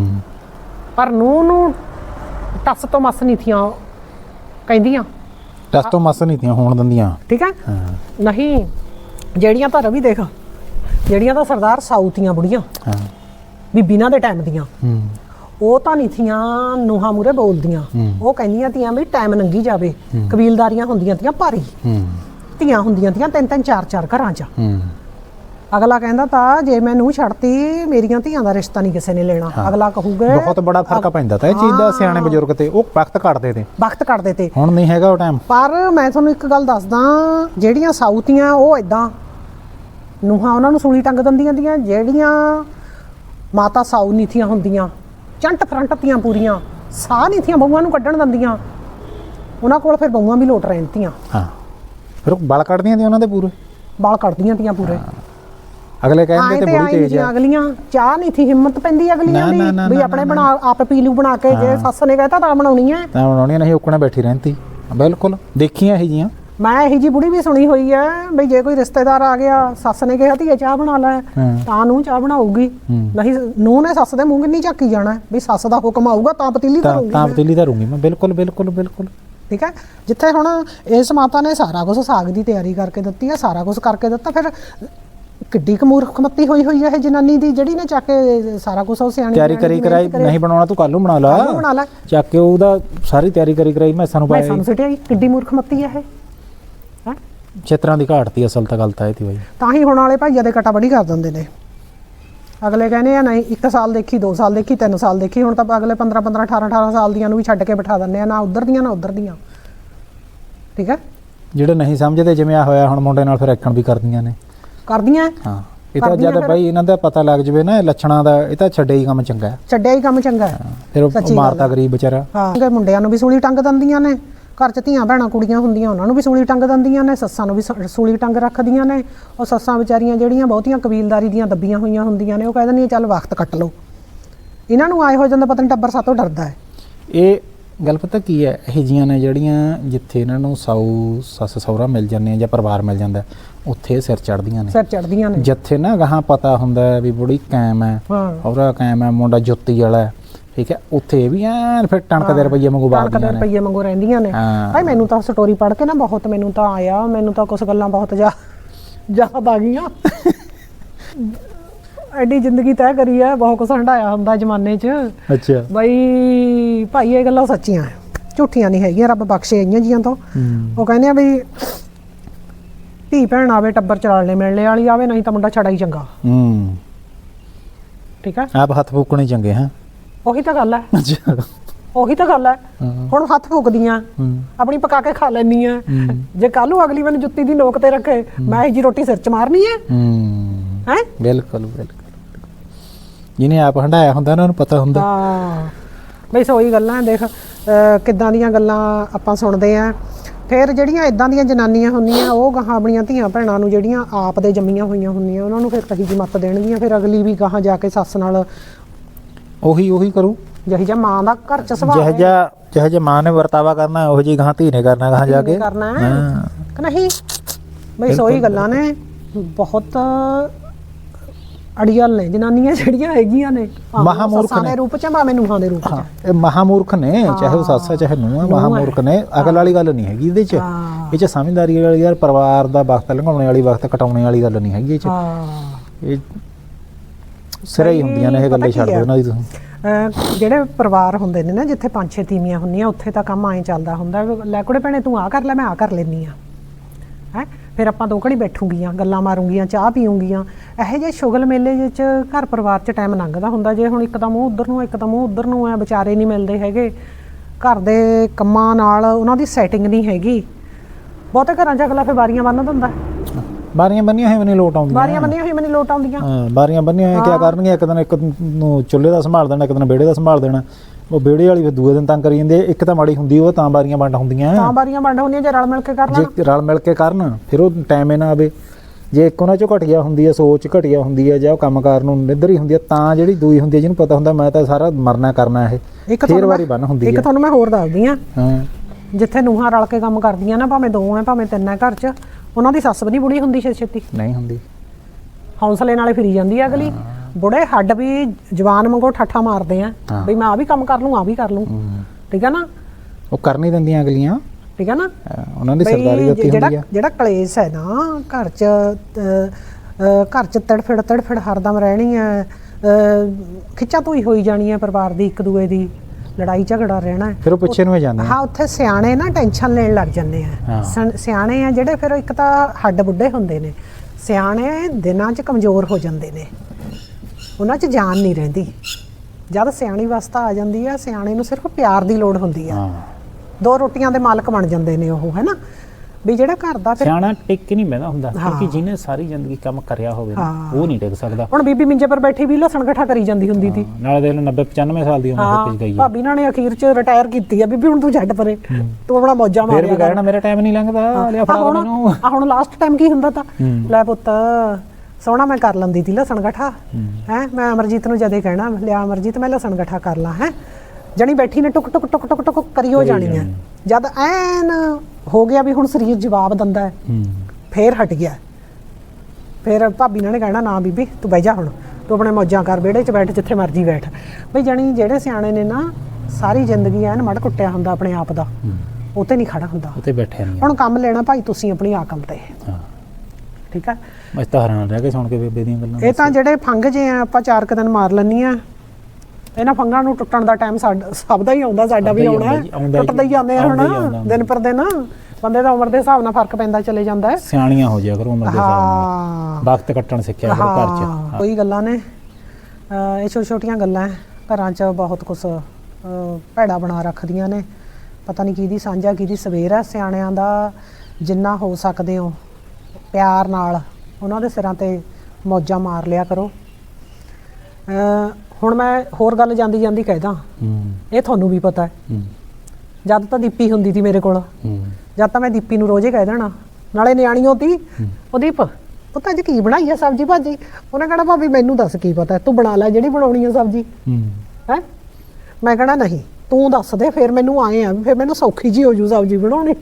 Speaker 1: ਪਰ ਨੂੰਹ ਨੂੰ ਟੱਸ ਤੋਂ ਮਸ ਨਹੀਂ ਥੀਆਂ ਕਹਿੰਦੀਆਂ,
Speaker 2: ਟੱਸ ਤੋਂ ਮਸ ਨਹੀਂ ਥੀਆਂ ਹੋਣ ਦਿੰਦੀਆਂ।
Speaker 1: ਠੀਕ ਹੈ ਨਹੀਂ, ਜਿਹੜੀਆਂ ਤਾਂ ਰਵੀ ਦੇਖ, ਜਿਹੜੀਆਂ ਤਾਂ ਸਰਦਾਰ ਸਾਊਥੀਆਂ ਬੁੜੀਆਂ ਬੀਬੀਆਂ ਦੇ ਟਾਈਮ ਦੀਆਂ, ਉਹ ਤਾਂ ਨਹੀਂ ਥੀਆਂ ਨੂੰਹਾਂ ਮੂਰੇ ਬੋਲਦੀਆਂ। ਉਹ ਕਹਿੰਦੀਆਂ ਤੀਆਂ ਵੀ ਟਾਈਮ ਲੰਘੀ ਜਾਵੇ। ਕਬੀਲਦਾਰੀਆਂ ਹੁੰਦੀਆਂ ਤੀਆਂ ਭਾਰੀ, ਧੀਆਂ ਹੁੰਦੀਆਂ ਤੀਆਂ 3-3 4-4 ਘਰਾਂ 'ਚ। ਅਗਲਾ ਕਹਿੰਦਾ ਤਾਂ ਜੇ ਮੈਂ ਨੂੰਹ ਛੱਡਤੀ ਮੇਰੀਆਂ ਧੀਆਂ ਦਾ ਰਿਸ਼ਤਾ ਨਹੀਂ ਕਿਸੇ ਨੇ ਲੈਣਾ। ਅਗਲਾ ਕਹੂਗਾ
Speaker 2: ਬਹੁਤ ਬੜਾ ਫਰਕ ਪੈਂਦਾ ਤਾਂ ਇਹ ਚੀਜ਼ ਦਾ। ਸਿਆਣੇ ਬਜ਼ੁਰਗ ਤੇ ਉਹ ਵਕਤ ਕੱਢਦੇ ਤੇ,
Speaker 1: ਵਕਤ ਕੱਢਦੇ ਤੇ,
Speaker 2: ਹੁਣ ਨਹੀਂ ਹੈਗਾ ਉਹ ਟਾਈਮ।
Speaker 1: ਪਰ ਮੈਂ ਤੁਹਾਨੂੰ ਇੱਕ ਗੱਲ ਦੱਸਦਾ, ਜਿਹੜੀਆਂ ਸਾਊਥੀਆਂ ਉਹ ਇਦਾਂ ਨੂੰਹਾਂ ਉਹਨਾਂ ਨੂੰ ਸੂਲੀ ਟੰਗ ਦਿੰਦੀਆਂ ਦੀਆਂ। ਜਿਹੜੀਆਂ ਮਾਤਾ ਸਾਊ ਨੀਥੀਆਂ ਹੁੰਦੀਆਂ, ਚੰਟ ਫਰੰਟ ਤੀਆਂ ਪੂਰੀਆਂ, ਸਾਹ ਨਹੀਂ ਥੀਆਂ ਬਹੂਆਂ ਨੂੰ ਕੱਢਣ ਦਿੰਦੀਆਂ। ਉਹਨਾਂ ਕੋਲ ਫਿਰ ਬਹੂਆਂ ਵੀ ਲੋਟ ਰਹਿੰਦੀਆਂ।
Speaker 2: ਹਾਂ, ਫਿਰ ਵਾਲ ਕੱਢਦੀਆਂ ਤੀ ਉਹਨਾਂ ਦੇ ਪੂਰੇ,
Speaker 1: ਵਾਲ ਕੱਢਦੀਆਂ ਤੀਆਂ ਪੂਰੇ।
Speaker 2: ਅਗਲੇ ਕਹਿੰਦੇ ਤੇ ਬੁੜੀ ਤੇਜ ਆ।
Speaker 1: ਅਗਲੀਆਂ ਚਾਹ ਨਹੀਂ ਥੀ ਹਿੰਮਤ ਪੈਂਦੀ ਅਗਲੀਆਂ ਦੀ ਵੀ ਆਪਣੇ ਬਣਾ ਆਪ ਪੀ ਲੂ ਬਣਾ ਕੇ। ਜੇ ਸੱਸ ਨੇ ਕਹਿਤਾ ਤਾਂ ਬਣਾਉਣੀ ਹੈ,
Speaker 2: ਤਾਂ ਬਣਾਉਣੀ ਨਹੀਂ, ਉੱਕਣਾ ਬੈਠੀ ਰਹਿੰਦੀ। ਬਿਲਕੁਲ ਦੇਖੀਆਂ ਇਹ ਜੀਆਂ।
Speaker 1: ਮੈਂ ਇਹੀ ਜੀ ਬੁੜੀ ਵੀ ਸੁਣੀ ਹੋਈ ਹੈ ਬਈ ਜੇ ਕੋਈ ਰਿਸ਼ਤੇਦਾਰ ਆ ਗਿਆ, ਸੱਸ ਨੇ ਕਿਹਾ ਧੀਏ ਚਾਹ ਬਣਾ ਲੈ, ਤਾਂ ਨੂੰਹ ਚਾਹ ਬਣਾਊਗੀ। ਨਹੀਂ ਨੂੰਹ ਨੇ ਸੱਸ ਦੇ ਮੂੰਹ ਕਿੰਨੀ ਝਾਕੀ ਜਾਣਾ ਵੀ ਸੱਸ ਦਾ ਹੁਕਮ ਆਊਗਾ ਤਾਂ ਪਤੀਲੀ ਧਰੂਗੀ,
Speaker 2: ਤਾਂ ਪਤੀਲੀ ਧਰੂਗੀ ਮੈਂ। ਬਿਲਕੁਲ ਬਿਲਕੁਲ ਬਿਲਕੁਲ
Speaker 1: ਠੀਕ ਹੈ। ਜਿੱਥੇ ਹੁਣ ਇਸ ਮਾਤਾ ਨੇ ਸਾਰਾ ਕੁਝ ਸਾਗ ਦੀ ਤਿਆਰੀ ਕਰਕੇ ਦਿੱਤੀ ਹੈ, ਸਾਰਾ ਕੁਝ ਕਰਕੇ ਦਿੱਤਾ, ਫਿਰ ਕਿੱਡੀ ਕੁ ਮੂਰਖਮਤੀ ਹੋਈ ਹੈ ਇਹ ਜਨਾਨੀ ਦੀ, ਜਿਹੜੀ ਨੇ ਚੱਕ ਕੇ ਸਾਰਾ ਕੁਝ ਉਹ ਸਿਆਣੀ
Speaker 2: ਤਿਆਰੀ ਕਰੀ ਕਰਾਈ। ਨਹੀਂ ਬਣਾਉਣਾ ਤੂੰ ਕੱਲ ਨੂੰ ਬਣਾ ਲਾ, ਚੱਕ ਕੇ ਉਹਦਾ ਸਾਰੀ ਤਿਆਰੀ ਕਰੀ ਕਰਾਈ ਮੈਂ ਸਾਨੂੰ ਪਾਇਆ।
Speaker 1: ਸਾਨੂੰ ਸਿੱਟਿਆ ਕਿੱਡੀ ਮੂਰਖਮਤੀ ਹੈ ਇਹ।
Speaker 2: ਚਿੱਤਰਾਂ ਦੀ ਘਾਟ ਤੀ ਅਸਲ ਤਾਂ ਗੱਲ ਤਾਂ ਇਹ ਤੀ ਬਾਈ।
Speaker 1: ਤਾਂ ਹੀ ਹੁਣ ਵਾਲੇ ਭਾਈਆਂ ਦੇ ਕਟਾ ਬੜੀ ਕਰ ਦਿੰਦੇ ਨੇ। ਅਗਲੇ ਕਹਿੰਦੇ ਆ ਨਹੀਂ 1 ਸਾਲ ਦੇਖੀ, 2 ਸਾਲ ਦੇਖੀ, 3 ਸਾਲ ਦੇਖੀ। ਹੁਣ ਤਾਂ ਅਗਲੇ 15-15 18-18 ਸਾਲ ਦੀਆਂ ਨੂੰ ਵੀ ਛੱਡ ਕੇ ਬਿਠਾ ਦਿੰਦੇ ਆ, ਨਾ ਉੱਧਰ ਦੀਆਂ ਨਾ ਉੱਧਰ ਦੀਆਂ। ਠੀਕ ਹੈ,
Speaker 2: ਜਿਹੜੇ ਨਹੀਂ ਸਮਝਦੇ ਜਿਵੇਂ ਆ ਹੋਇਆ ਹੁਣ ਮੁੰਡੇ ਨਾਲ, ਫਿਰ ਐਕਣ ਵੀ ਕਰਦੀਆਂ ਨੇ,
Speaker 1: ਕਰਦੀਆਂ।
Speaker 2: ਹਾਂ, ਇਹ ਤਾਂ ਜਦ ਬਾਈ ਇਹਨਾਂ ਦਾ ਪਤਾ ਲੱਗ ਜਵੇ ਨਾ ਲੱਛਣਾਂ ਦਾ, ਇਹ ਤਾਂ ਛੱਡਿਆ ਹੀ ਕੰਮ ਚੰਗਾ ਹੈ।
Speaker 1: ਛੱਡਿਆ ਹੀ ਕੰਮ ਚੰਗਾ ਹੈ,
Speaker 2: ਫਿਰ ਉਹ ਮਾਰਦਾ ਗਰੀਬ ਵਿਚਾਰਾ।
Speaker 1: ਹਾਂ, ਮੁੰਡਿਆਂ ਨੂੰ ਵੀ ਸੂਲੀ ਟੰਗ ਦਿੰਦੀਆਂ ਨੇ, ਘਰ 'ਚ ਧੀਆਂ ਭੈਣਾਂ ਕੁੜੀਆਂ ਹੁੰਦੀਆਂ ਉਹਨਾਂ ਨੂੰ ਵੀ ਸੂਲੀ ਟੰਗ ਦਿੰਦੀਆਂ ਨੇ, ਸੱਸਾਂ ਨੂੰ ਵੀ ਸੂਲੀ ਟੰਗ ਰੱਖਦੀਆਂ ਨੇ। ਉਹ ਸੱਸਾਂ ਵਿਚਾਰੀਆਂ ਜਿਹੜੀਆਂ ਬਹੁਤੀਆਂ ਕਬੀਲਦਾਰੀ ਦੀਆਂ ਦੱਬੀਆਂ ਹੋਈਆਂ ਹੁੰਦੀਆਂ ਨੇ, ਉਹ ਕਹਿ ਦਿੰਦੀਆਂ ਚੱਲ ਵਕਤ ਕੱਟ ਲਓ। ਇਹਨਾਂ ਨੂੰ ਆਏ ਹੋ ਜਾਂਦਾ ਪਤਾ ਨਹੀਂ ਟੱਬਰ ਸਾਤੋਂ ਡਰਦਾ ਹੈ।
Speaker 2: ਇਹ ਗੱਲ ਪਤਾ ਕੀ ਹੈ, ਇਹ ਜੀਆਂ ਨੇ ਜਿਹੜੀਆਂ ਜਿੱਥੇ ਇਹਨਾਂ ਨੂੰ ਸਾਊ ਸੱਸ ਸਹੁਰਾ ਮਿਲ ਜਾਂਦੇ ਆ ਜਾਂ ਪਰਿਵਾਰ ਮਿਲ ਜਾਂਦਾ, ਉੱਥੇ ਸਿਰ ਚੜ੍ਹਦੀਆਂ ਨੇ,
Speaker 1: ਸਿਰ ਚੜ੍ਹਦੀਆਂ ਨੇ।
Speaker 2: ਜਿੱਥੇ ਨਾ ਗਾਹਾਂ ਪਤਾ ਹੁੰਦਾ ਵੀ ਬੁੜੀ ਕਾਇਮ ਹੈ, ਸਹੁਰਾ ਕਾਇਮ ਹੈ, ਮੁੰਡਾ ਜੁੱਤੀ ਵਾਲਾ, ਠੀਕ ਹੈ, ਉੱਥੇ ਵੀ ਐਨ ਫਿਰ ਟਣਕ ਦੇ ਰੁਪਈਏ ਵਾਂਗੂ ਬਾਗਦੀਆਂ ਨੇ,
Speaker 1: ਰੁਪਈਏ ਵਾਂਗੂ ਰਹਿੰਦੀਆਂ ਨੇ। ਭਾਈ ਮੈਨੂੰ ਤਾਂ ਸਟੋਰੀ ਪੜ੍ਹ ਕੇ ਨਾ ਬਹੁਤ, ਮੈਨੂੰ ਤਾਂ ਆਇਆ, ਮੈਨੂੰ ਤਾਂ ਕੁਝ ਗੱਲਾਂ ਬਹੁਤ ਯਾਦ ਆ ਗਈਆਂ। ਐਡੀ ਜ਼ਿੰਦਗੀ ਤੈਅ ਕਰੀ ਹੈ, ਬਹੁਤ ਕੁਛ ਹੰਡਾਇਆ ਹੁੰਦਾ ਜ਼ਮਾਨੇ 'ਚ।
Speaker 2: ਅੱਛਾ
Speaker 1: ਬਈ ਭਾਈ ਇਹ ਗੱਲਾਂ ਸੱਚੀਆਂ, ਝੂਠੀਆਂ ਨਹੀਂ ਹੈਗੀਆਂ, ਰੱਬ ਬਖਸ਼ੇ ਆਈਆਂ ਜੀਆਂ ਤੋਂ। ਉਹ ਕਹਿੰਦੇ ਆ ਵੀ ਧੀ ਭੈਣ ਆਵੇ ਟੱਬਰ ਚਲਾਣੇ ਮਿਲਣੇ ਵਾਲੀ ਆਵੇ, ਨਹੀਂ ਤਾਂ ਮੁੰਡਾ ਛੜਾ ਹੀ ਚੰਗਾ। ਠੀਕ ਹੈ,
Speaker 2: ਆਪ ਹੱਥ ਫੂਕਣੇ ਚੰਗੇ। ਹਾਂ,
Speaker 1: ਉਹੀ ਤਾਂ ਗੱਲ ਹੈ।
Speaker 2: ਅੱਛਾ,
Speaker 1: ਉਹੀ ਤਾਂ ਗੱਲ ਹੈ। ਹੁਣ ਹੱਥ ਫੂਕਦੀਆਂ, ਆਪਣੀ ਪਕਾ ਕੇ ਖਾ ਲੈਂਦੀ ਆ। ਜੇ ਕੱਲ ਨੂੰ ਅਗਲੀ ਮੈਨੂੰ ਜੁੱਤੀ ਦੀ ਨੋਕ ਤੇ ਰੱਖੇ, ਮੈਂ ਇਹ ਜੀ ਰੋਟੀ ਸਿਰ 'ਚ ਮਾਰਨੀ ਹੈ। ਹੈ
Speaker 2: ਬਿਲਕੁਲ ਬਿਲਕੁਲ, ਜਿਹਨੇ ਆਪ ਹੰਡਾਇਆ ਹੁੰਦਾ ਉਹਨਾਂ ਨੂੰ ਪਤਾ ਹੁੰਦਾ।
Speaker 1: ਹਾਂ ਬਈ ਸੋਈ ਗੱਲਾਂ ਦੇਖ ਕਿੱਦਾਂ ਦੀਆਂ ਗੱਲਾਂ ਆਪਾਂ ਸੁਣਦੇ ਆ। ਫਿਰ ਜਿਹੜੀਆਂ ਇਦਾਂ ਦੀਆਂ ਜਨਾਨੀਆਂ ਹੁੰਦੀਆਂ, ਉਹ ਗਾਹਾਂ ਆਪਣੀਆਂ ਧੀਆਂ ਭੈਣਾਂ ਨੂੰ ਜਿਹੜੀਆਂ ਆਪ ਦੇ ਜੰਮੀਆਂ ਹੋਈਆਂ ਹੁੰਦੀਆਂ, ਉਹਨਾਂ ਨੂੰ ਫਿਰ ਕਹੀ ਜੀ ਮੱਤ ਦੇਣਗੀਆਂ। ਫਿਰ ਅਗਲੀ ਵੀ ਗਾਹਾਂ ਜਾ ਕੇ ਸੱਸ ਨਾਲ ਉਹੀ
Speaker 2: ਕਰੂ,
Speaker 1: ਜਿਹੀ ਜਿਹਾ ਮਾਂ ਦਾ ਘਰ 'ਚ ਸੁਭਾਅ,
Speaker 2: ਜਿਹੋ ਜਿਹਾ ਮਾਂ ਨੇ ਵਰਤਾਵਾ ਕਰਨਾ, ਉਹ ਜਿਹੀ ਗਾਹਾਂ ਧੀ ਨੇ ਕਰਨਾ ਗਾਹਾਂ ਜਾ ਕੇ
Speaker 1: ਕਰਨਾ ਕਿ ਨਹੀਂ। ਬਈ ਸੋਈ ਗੱਲਾਂ ਨੇ, ਬਹੁਤ ਅੜੀਅਲ ਨੇ ਜਨਾਨੀਆਂ ਜਿਹੜੀਆਂ ਹੈਗੀਆਂ ਨੇ,
Speaker 2: ਮਹਾਮੂਰਖ
Speaker 1: ਦੇ ਰੂਪ 'ਚ ਭਾਵੇਂ ਨੂੰਹਾਂ ਦੇ ਰੂਪ 'ਚ। ਇਹ
Speaker 2: ਮਹਾਮੂਰਖ ਨੇ, ਚਾਹੇ ਉਹ ਸੱਸ ਹੈ ਚਾਹੇ ਨੂੰਹ ਹੈ, ਮਹਾਮੂਰਖ ਨੇ। ਅਕਲ ਵਾਲੀ ਗੱਲ ਨਹੀਂ ਹੈਗੀ ਇਹਦੇ 'ਚ। ਇਹ 'ਚ ਸਮਝਦਾਰੀ ਵਾਲੀ, ਯਾਰ ਪਰਿਵਾਰ ਦਾ ਵਕਤ ਲੰਘਾਉਣੇ ਵਾਲੀ, ਵਕਤ ਕਟਾਉਣੇ ਵਾਲੀ ਗੱਲ ਨਹੀਂ ਹੈਗੀ ਇਹ 'ਚ। ਇਹ ਸਿਰੇ ਹੀ ਹੁੰਦੀਆਂ ਨੇ ਇਹ ਗੱਲਾਂ, ਛੱਡ ਦਿਓ ਇਹਨਾਂ ਦੀ ਤੁਸੀਂ।
Speaker 1: ਜਿਹੜੇ ਪਰਿਵਾਰ ਹੁੰਦੇ ਨੇ ਨਾ, ਜਿੱਥੇ 5-6 ਤੀਵੀਆਂ ਹੁੰਦੀਆਂ, ਉੱਥੇ ਤਾਂ ਕੰਮ ਐਂ ਚੱਲਦਾ ਹੁੰਦਾ, ਲੈ ਕੁੜੇ ਭੈਣੇ ਤੂੰ ਆਹ ਕਰ ਲੈ, ਮੈਂ ਆਹ ਕਰ ਲੈਂਦੀ ਹਾਂ। ਹੈ ਫਿਰ ਆਪਾਂ ਦੋ ਘੜੀ ਬੈਠੂਗੀਆਂ, ਗੱਲਾਂ ਮਾਰੂਗੀਆਂ, ਚਾਹ ਪੀਊਂਗੀਆਂ। ਇਹੋ ਜਿਹੇ ਸ਼ੁਗਲ ਮੇਲੇ ਵਿੱਚ ਘਰ ਪਰਿਵਾਰ 'ਚ ਟਾਈਮ ਲੰਘਦਾ ਹੁੰਦਾ। ਜੇ ਹੁਣ ਇੱਕ ਤਾਂ ਮੂੰਹ ਉੱਧਰ ਨੂੰ, ਇੱਕ ਤਾਂ ਮੂੰਹ ਉੱਧਰ ਨੂੰ ਹੈ, ਵਿਚਾਰੇ ਨਹੀਂ ਮਿਲਦੇ ਹੈਗੇ। ਘਰ ਦੇ ਕੰਮਾਂ ਨਾਲ ਉਹਨਾਂ ਦੀ ਸੈਟਿੰਗ ਨਹੀਂ ਹੈਗੀ। ਬਹੁਤੇ ਘਰਾਂ 'ਚ ਅਗਲਾ ਫਿਰ ਬਾਰੀਆਂ ਬੰਨ੍ਹ ਦਿੰਦਾ।
Speaker 2: ਬਾਰੀਆਂ ਬੰਨੀਆਂ ਹੋਈਆਂ ਨਹੀਂ ਲੋਟ ਆਉਂਦੀਆਂ,
Speaker 1: ਬਾਰੀਆਂ ਬੰਨੀਆਂ ਹੋਈਆਂ ਮੈਨੂੰ ਲੋਟ ਆਉਂਦੀਆਂ।
Speaker 2: ਹਾਂ, ਬਾਰੀਆਂ ਬੰਨੀਆਂ ਹੋਈਆਂ ਕੀ ਕਰਨਗੀਆਂ, ਇੱਕ ਦਿਨ ਇੱਕ ਨੂੰ ਚੁੱਲ੍ਹੇ ਦਾ ਸੰਭਾਲ ਦੇਣਾ, ਇੱਕ ਦਿਨ ਵਿਹੜੇ ਦਾ ਸੰਭਾਲ ਦੇਣਾ। ਉਹ ਵਿਹੜੇ ਵਾਲੀ ਫਿਰ ਦੂਏ ਦਿਨ ਤੰਗ ਕਰੀ ਜਾਂਦੇ। ਇੱਕ ਤਾਂ ਮਾੜੀ ਹੁੰਦੀ, ਉਹ ਤਾਂ ਬਾਰੀਆਂ ਵੰਡ ਹੁੰਦੀਆਂ,
Speaker 1: ਤਾਂ ਬਾਰੀਆਂ ਵੰਡ ਹੁੰਦੀਆਂ ਜੇ ਰਲ ਮਿਲ ਕੇ ਕਰ ਲੈਣ,
Speaker 2: ਜੇ ਰਲ ਮਿਲ ਕੇ ਕਰਨ ਫਿਰ ਉਹ ਟਾਈਮ ਇਹ ਨਾ ਆਵੇ। ਜੇ ਇੱਕ ਉਹਨਾਂ 'ਚੋਂ ਘਟੀਆ ਹੁੰਦੀ ਹੈ, ਸੋਚ ਘਟੀਆ ਹੁੰਦੀ ਹੈ, ਜਾਂ ਉਹ ਕੰਮਕਾਰ ਨੂੰ ਨਿੱਧਰੀ ਹੁੰਦੀ ਹੈ, ਤਾਂ ਜਿਹੜੀ ਦੂਈ ਹੁੰਦੀ ਹੈ ਜਿਹਨੂੰ ਪਤਾ ਹੁੰਦਾ ਮੈਂ ਤਾਂ ਸਾਰਾ ਮਰਨਾ ਕਰਨਾ, ਇਹ ਫੇਰ ਵਾਰੀ ਬੰਨ ਹੁੰਦੀ ਹੈ।
Speaker 1: ਇੱਕ ਤੁਹਾਨੂੰ ਮੈਂ ਹੋਰ ਦੱਸਦੀ ਹਾਂ। ਜਿੱਥੇ ਨੂੰਹਾਂ ਰਲ ਕੇ ਕੰਮ ਕਰਦੀਆਂ ਨਾ, ਭਾਵੇਂ 2 ਐ ਭਾਵੇਂ 3 ਐ ਘਰ 'ਚ, ਉਹਨਾਂ ਦੀ ਸੱਸ ਵੀ ਨਹੀਂ ਬੁੜੀ ਹੁੰਦੀ ਛੇਤੀ
Speaker 2: ਨਹੀਂ ਹੁੰਦੀ,
Speaker 1: ਹੌਸਲੇ ਨਾਲੇ ਫਿਰੀ ਜਾਂਦੀ ਆ ਅਗਲੀ। ਬੁੜੇ ਹੱਡ ਵੀ ਜਵਾਨ ਵਾਂਗੂ ਠੱਠਾ ਮਾਰਦੇ ਆ ਬਈ ਮੈਂ ਆ ਵੀ ਕੰਮ ਕਰ ਲੂੰ, ਆ ਵੀ ਕਰ ਲੂੰ, ਠੀਕ ਆ ਨਾ।
Speaker 2: ਉਹ ਕਰ ਨਹੀਂ ਦਿੰਦੀਆਂ ਅਗਲੀਆਂ,
Speaker 1: ਠੀਕ ਆ ਨਾ।
Speaker 2: ਉਹਨਾਂ ਦੀ ਸਰਦਾਰੀ ਦਿੱਤੀ ਹੁੰਦੀ ਆ।
Speaker 1: ਜਿਹੜਾ ਕਲੇਸ਼ ਹੈ ਨਾ ਘਰ 'ਚ ਤੜਫੜ ਹਰਦਮ ਰਹਿਣੀ ਹੈ, ਖਿੱਚਾ ਧੂਈ ਹੋਈ ਜਾਣੀ ਹੈ ਪਰਿਵਾਰ ਦੀ, ਇੱਕ ਦੂਏ ਦੀ ਲੜਾਈ ਝਗੜਾ ਰਹਿਣਾ ਹੈ।
Speaker 2: ਫਿਰ ਉਹ ਪਿੱਛੇ ਨੂੰ ਜਾਂਦੇ
Speaker 1: ਹਾਂ, ਉੱਥੇ ਸਿਆਣੇ ਨਾ ਟੈਨਸ਼ਨ ਲੈਣ ਲੱਗ ਜਾਂਦੇ ਆ। ਸਿਆਣੇ ਆ ਜਿਹੜੇ ਫਿਰ ਇੱਕ ਤਾਂ ਹੱਡ ਬੁੱਢੇ ਹੁੰਦੇ ਨੇ, ਸਿਆਣੇ ਦਿਨਾਂ 'ਚ ਕਮਜ਼ੋਰ ਹੋ ਜਾਂਦੇ ਨੇ, ਉਹਨਾਂ 'ਚ ਜਾਨ ਨਹੀਂ ਰਹਿੰਦੀ। ਜਦ ਸਿਆਣੀ ਅਵਸਥਾ ਆ ਜਾਂਦੀ ਆ, ਸਿਆਣੇ ਨੂੰ ਸਿਰਫ ਪਿਆਰ ਦੀ ਲੋੜ ਹੁੰਦੀ ਆ, 2 ਰੋਟੀਆਂ ਦੇ ਮਾਲਕ ਬਣ ਜਾਂਦੇ ਨੇ ਉਹ, ਹੈ ਨਾ। ਵੀ ਜਿਹੜਾ ਘਰ ਦਾ ਫਿਰ
Speaker 2: ਸਿਆਣਾ ਟਿਕ ਕੇ ਨਹੀਂ ਬਹਿੰਦਾ ਹੁੰਦਾ, ਕਿਉਂਕਿ ਜਿਹਨੇ ਸਾਰੀ ਜ਼ਿੰਦਗੀ ਕੰਮ ਕਰਿਆ ਹੋਵੇ ਨਾ ਉਹ ਨਹੀਂ ਟਿਕ ਸਕਦਾ।
Speaker 1: ਹੁਣ ਬੀਬੀ ਮਿੰਜੇ ਪਰ ਬੈਠੀ ਵੀ ਲਸਣ ਇਕੱਠਾ ਕਰੀ ਜਾਂਦੀ ਹੁੰਦੀ ਸੀ,
Speaker 2: ਨਾਲੇ ਦੇਖ 90-95 ਸਾਲ ਦੀ ਉਮਰ ਵਿੱਚ ਗਈ।
Speaker 1: ਭਾਬੀ ਨਾਲ ਨੇ ਅਖੀਰ 'ਚ ਰਿਟਾਇਰ ਕੀਤੀ ਆ, ਬੀਬੀ ਹੁਣ ਤੂੰ ਛੱਡ ਪਰੇ, ਤੂੰ ਆਪਣਾ ਮੌਜਾਂ ਮਾਰਿਆ।
Speaker 2: ਫਿਰ ਵੀ ਕਹਿਣਾ ਮੇਰਾ ਟਾਈਮ ਨਹੀਂ ਲੰਘਦਾ, ਲਿਆ ਫੜਾ ਮੈਨੂੰ।
Speaker 1: ਹੁਣ ਲਾਸਟ ਟਾਈਮ ਕੀ ਹੁੰਦਾ ਤਾਂ, ਲੈ ਪੁੱਤ ਸੋਹਣਾ ਮੈਂ ਕਰ ਲੈਂਦੀ ਸੀ ਲਸਣ ਇਕੱਠਾ, ਹੈ ਮੈਂ ਅਮਰਜੀਤ ਨੂੰ ਜਦੇ ਕਹਿਣਾ, ਲਿਆ ਅਮਰਜੀਤ ਮੈਂ ਲਸਣ ਇਕੱਠਾ ਕਰ ਲਾਂ, ਹੈ ਜਣੀ ਬੈਠੀ ਨੇ ਟੁਕ ਟੁਕ ਟੁਕ ਟੁਕ ਟੁਕ ਕਰੀ ਹੋ ਜਾਣੀ ਹੈ। ਜਦ ਐਨ ਹੋ ਗਿਆ ਵੀ ਹੁਣ ਸਰੀਰ ਜਵਾਬ ਦਿੰਦਾ ਹੈ, ਫੇਰ ਹਟ ਗਿਆ, ਫਿਰ ਭਾਬੀ ਨੇ ਕਹਿਣਾ ਨਾ ਬੀਬੀ ਤੂੰ ਬਹਿ ਜਾ, ਹੁਣ ਤੂੰ ਆਪਣੇ ਮੌਜਾਂ ਕਰ, ਵਿਹੜੇ 'ਚ ਬੈਠ, ਜਿੱਥੇ ਮਰਜ਼ੀ ਬੈਠ। ਬਈ ਜਾਣੀ ਜਿਹੜੇ ਸਿਆਣੇ ਨੇ ਨਾ ਸਾਰੀ ਜ਼ਿੰਦਗੀ ਐਨ ਮੜ ਕੁੱਟਿਆ ਹੁੰਦਾ ਆਪਣੇ ਆਪ ਦਾ, ਉਹ ਤੇ ਨਹੀਂ ਖੜਾ ਹੁੰਦਾ,
Speaker 2: ਉਹ ਤੇ ਬੈਠਿਆ ਨਹੀਂ।
Speaker 1: ਹੁਣ ਕੰਮ ਲੈਣਾ ਭਾਈ ਤੁਸੀਂ ਆਪਣੀ ਆਕਮ ਤੇ, ਠੀਕ ਹੈ।
Speaker 2: ਮੈਂ ਤਾਂ ਹੈਰਾਨ ਰਹਿ ਕੇ ਸੁਣ ਕੇ ਬੇਬੇ ਦੀਆਂ ਗੱਲਾਂ।
Speaker 1: ਇਹ ਤਾਂ ਜਿਹੜੇ ਫੰਗ ਜੇ ਆ ਆਪਾਂ 4 ਕੁ ਦਿਨ ਮਾਰ ਲੈਂਦੀ ਆ, ਇਹਨਾਂ ਫੰਗਾਂ ਨੂੰ ਟੁੱਟਣ ਦਾ ਟਾਈਮ ਸਭ ਦਾ ਹੀ ਆਉਂਦਾ, ਸਾਡਾ ਵੀ ਆਉਣਾ, ਟੁੱਟਦੇ ਹੀ ਜਾਂਦੇ ਆ ਹੁਣ ਦਿਨ ਪਰ ਦਿਨ। ਬੰਦੇ ਦਾ ਉਮਰ ਦੇ ਹਿਸਾਬ ਨਾਲ ਫਰਕ ਪੈਂਦਾ ਚਲੇ ਜਾਂਦਾ ਹੈ।
Speaker 2: ਸਿਆਣੀਆਂ ਹੋ ਜਾਇਆ ਕਰੋ ਉਮਰ ਦੇ ਹਿਸਾਬ ਨਾਲ, ਵਕਤ ਕੱਟਣ ਸਿੱਖਿਆ ਕਰੋ ਘਰ 'ਚ।
Speaker 1: ਕੋਈ ਗੱਲਾਂ ਨੇ ਇਹ ਛੋਟੀਆਂ ਗੱਲਾਂ ਘਰਾਂ 'ਚ ਬਹੁਤ ਕੁਛ ਭੈੜਾ ਬਣਾ ਰੱਖਦੀਆਂ ਨੇ। ਪਤਾ ਨਹੀਂ ਕਿਹਦੀ ਸਾਂਝਾ ਕਿਹਦੀ ਸਵੇਰ ਹੈ। ਸਿਆਣਿਆਂ ਦਾ ਜਿੰਨਾ ਹੋ ਸਕਦੇ ਹੋ ਪਿਆਰ ਨਾਲ ਉਹਨਾਂ ਦੇ ਸਿਰਾਂ ਤੇ ਮੌਜਾਂ ਮਾਰ ਲਿਆ ਕਰੋ। ਹੁਣ ਮੈਂ ਹੋਰ ਗੱਲ ਜਾਂਦੀ ਜਾਂਦੀ ਕਹਿਦਾ, ਇਹ ਤੁਹਾਨੂੰ ਵੀ ਪਤਾ ਹੈ, ਜਦ ਤਾਂ ਦੀਪੀ ਹੁੰਦੀ ਸੀ ਮੇਰੇ ਕੋਲ, ਜਦ ਤਾਂ ਮੈਂ ਦੀਪੀ ਨੂੰ ਰੋਜ਼ ਹੀ ਕਹਿ ਦੇਣਾ, ਨਾਲੇ ਨਿਆਣੀਓ ਤੀ, ਉਹ ਦੀਪ ਪੁੱਤ ਅੱਜ ਕੀ ਬਣਾਈ ਆ ਸਬਜ਼ੀ ਭਾਜੀ? ਉਹਨੇ ਕਹਿਣਾ ਭਾਬੀ ਮੈਨੂੰ ਦੱਸ ਕੀ ਪਤਾ, ਤੂੰ ਬਣਾ ਲੈ ਜਿਹੜੀ ਬਣਾਉਣੀ ਆ ਸਬਜ਼ੀ, ਹੈ। ਮੈਂ ਕਹਿਣਾ ਨਹੀਂ ਤੂੰ ਦੱਸ ਦੇ, ਫਿਰ ਮੈਨੂੰ ਆਏ ਆ ਫਿਰ ਮੈਨੂੰ ਸੌਖੀ ਜੀ ਹੋ ਜੂ ਸਬਜ਼ੀ ਬਣਾਉਣੀ।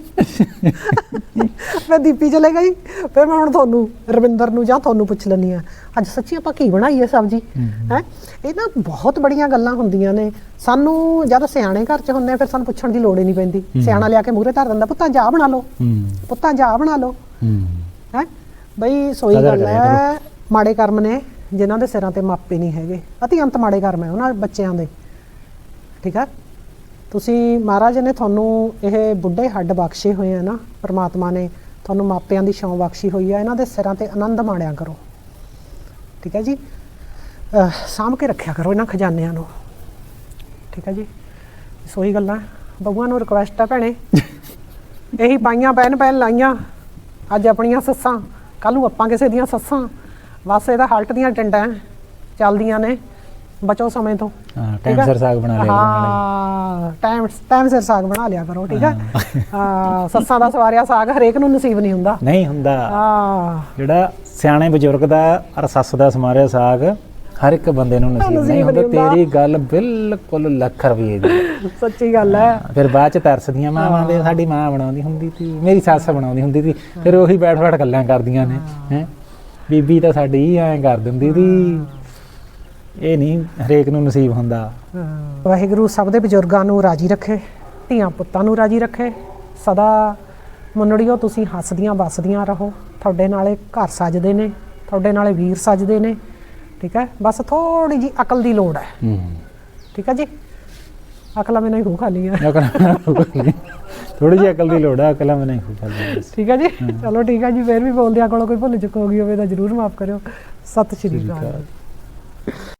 Speaker 1: ਮੈਂ ਦੀਪੀ ਚਲੇ ਗਈ, ਫਿਰ ਮੈਂ ਹੁਣ ਤੁਹਾਨੂੰ ਰਵਿੰਦਰ ਨੂੰ ਜਾਂ ਤੁਹਾਨੂੰ ਪੁੱਛ ਲੈਂਦੀ ਆ ਅੱਜ ਸੱਚੀ ਆਪਾਂ ਕੀ ਬਣਾਈ ਹੈ ਸਬਜ਼ੀ, ਹੈ। ਇਹ ਨਾ ਬਹੁਤ ਬੜੀਆਂ ਗੱਲਾਂ ਹੁੰਦੀਆਂ ਨੇ। ਸਾਨੂੰ ਜਦ ਸਿਆਣੇ ਘਰ 'ਚ ਹੁੰਦੇ ਆ ਫਿਰ ਸਾਨੂੰ ਪੁੱਛਣ ਦੀ ਲੋੜ ਹੀ ਨਹੀਂ ਪੈਂਦੀ। ਸਿਆਣਾ ਲਿਆ ਕੇ ਮੂਹਰੇ ਧਰ ਦਿੰਦਾ, ਪੁੱਤਾਂ ਜਾ ਬਣਾ ਲਓ, ਪੁੱਤਾਂ ਜਾ ਬਣਾ ਲਓ, ਹੈ। ਬਈ ਸੋਈ ਗੱਲ ਹੈ, ਮਾੜੇ ਕਰਮ ਨੇ ਜਿਨ੍ਹਾਂ ਦੇ ਸਿਰਾਂ ਤੇ ਮਾਪੇ ਨਹੀਂ ਹੈਗੇ, ਅਤੀ ਅੰਤ ਮਾੜੇ ਕਰਮ ਹੈ ਉਹਨਾਂ ਬੱਚਿਆਂ ਦੇ, ਠੀਕ ਆ। ਤੁਸੀਂ ਮਹਾਰਾਜ ਨੇ ਤੁਹਾਨੂੰ ਇਹ ਬੁੱਢੇ ਹੱਡ ਬਖਸ਼ੇ ਹੋਏ ਆ ਨਾ, ਪਰਮਾਤਮਾ ਨੇ ਤੁਹਾਨੂੰ ਮਾਪਿਆਂ ਦੀ ਛਾਂ ਬਖਸ਼ੀ ਹੋਈ ਆ, ਇਹਨਾਂ ਦੇ ਸਿਰਾਂ ਤੇ ਆਨੰਦ ਮਾਣਿਆ ਕਰੋ, ਠੀਕ ਹੈ ਜੀ। ਸਾਂਭ ਕੇ ਰੱਖਿਆ ਕਰੋ ਇਹਨਾਂ ਖਜ਼ਾਨਿਆਂ ਨੂੰ, ਠੀਕ ਹੈ ਜੀ। ਸੋਈ ਗੱਲਾਂ ਬਹੂਆਂ ਨੂੰ ਰਿਕੁਐਸਟ ਆ ਭੈਣੇ, ਇਹੀ ਪਾਈਆਂ ਪਹਿਨ ਲਾਈਆਂ ਅੱਜ ਆਪਣੀਆਂ ਸੱਸਾਂ, ਕੱਲ੍ਹ ਨੂੰ ਆਪਾਂ ਕਿਸੇ ਦੀਆਂ ਸੱਸਾਂ। ਬਸ ਇਹਦਾ ਹਲਟ ਦੀਆਂ ਟਿੰਡਾਂ ਚੱਲਦੀਆਂ ਨੇ, ਬਚੋ ਸਮੇਂ ਤੋਂ।
Speaker 2: ਟਾਈਮ ਸਿਰ ਸਾਗ ਬਣਾ ਲਿਆ,
Speaker 1: ਹਾਂ ਟਾਈਮ ਸਿਰ ਸਾਗ ਬਣਾ ਲਿਆ ਕਰੋ, ਠੀਕ ਹੈ। ਹਾਂ ਸੱਸਾਂ ਦਾ ਸਵਾਰਿਆ ਸਾਗ ਹਰੇਕ ਨੂੰ ਨਸੀਬ ਨਹੀਂ ਹੁੰਦਾ,
Speaker 2: ਨਹੀਂ ਹੁੰਦਾ। ਜਿਹੜਾ ਸਿਆਣੇ ਬਜ਼ੁਰਗ ਦਾ ਔਰ ਸੱਸ ਦਾ ਸਮਾਰਿਆ ਸਾਗ ਹਰ ਇੱਕ ਬੰਦੇ ਨੂੰ ਨਸੀਬ ਨਹੀਂ ਹੁੰਦਾ। ਤੇਰੀ ਗੱਲ ਬਿਲਕੁਲ ਲੱਖ ਰੁਪਏ ਦੀ
Speaker 1: ਸੱਚੀ ਗੱਲ ਹੈ।
Speaker 2: ਫਿਰ ਬਾਅਦ ਚ ਤਰਸਦੀਆਂ ਮਾਵਾਂ ਦੇ, ਸਾਡੀ ਮਾਂ ਬਣਾਉਂਦੀ ਹੁੰਦੀ ਸੀ, ਮੇਰੀ ਸੱਸ ਬਣਾਉਂਦੀ ਹੁੰਦੀ ਸੀ, ਫਿਰ ਉਹੀ ਬੈਠ ਗੱਲਾਂ ਕਰਦੀਆਂ ਨੇ, ਹੈ। ਬੀਬੀ ਤਾਂ ਸਾਡੀ ਐਂ ਕਰ ਦਿੰਦੀ ਸੀ, ਇਹ ਨਹੀਂ ਹਰੇਕ ਨੂੰ ਨਸੀਬ ਹੁੰਦਾ।
Speaker 1: ਵਾਹਿਗੁਰੂ ਸਭ ਦੇ ਬਜ਼ੁਰਗਾਂ ਨੂੰ ਰਾਜੀ ਰੱਖੇ, ਧੀਆਂ ਪੁੱਤਾਂ ਨੂੰ ਰਾਜੀ ਰੱਖੇ। ਸਦਾ ਮੁੰਨੜੀਓ ਤੁਸੀਂ ਹੱਸਦੀਆਂ ਵੱਸਦੀਆਂ ਰਹੋ, ਤੁਹਾਡੇ ਨਾਲੇ ਘਰ ਸੱਜਦੇ ਨੇ, ਤੁਹਾਡੇ ਨਾਲੇ ਵੀਰ ਸੱਜਦੇ ਨੇ, ਠੀਕ ਹੈ। ਬਸ ਥੋੜੀ ਜੀ ਅਕਲ ਦੀ ਲੋੜ ਹੈ, ਠੀਕ ਹੈ ਜੀ। ਅਕਲਾਂ ਮੈਂ ਨਹੀਂ ਖੂ ਖਾਲੀ ਆ,
Speaker 2: ਥੋੜੀ ਜਿਹੀ ਅਕਲ ਦੀ ਲੋੜ ਹੈ, ਅਕਲਾਂ ਮੈਂ ਨਹੀਂ ਖੂ ਖਾਲੀ,
Speaker 1: ਠੀਕ ਹੈ ਜੀ। ਚਲੋ ਠੀਕ ਹੈ ਜੀ, ਫਿਰ ਵੀ ਬੋਲਦਿਆਂ ਕੋਲੋਂ ਕੋਈ ਭੁੱਲ ਚੁੱਕ ਹੋ ਗਈ ਹੋਵੇ ਤਾਂ ਜ਼ਰੂਰ ਮਾਫ ਕਰਿਓ। ਸਤਿ ਸ਼੍ਰੀ ਅਕਾਲ।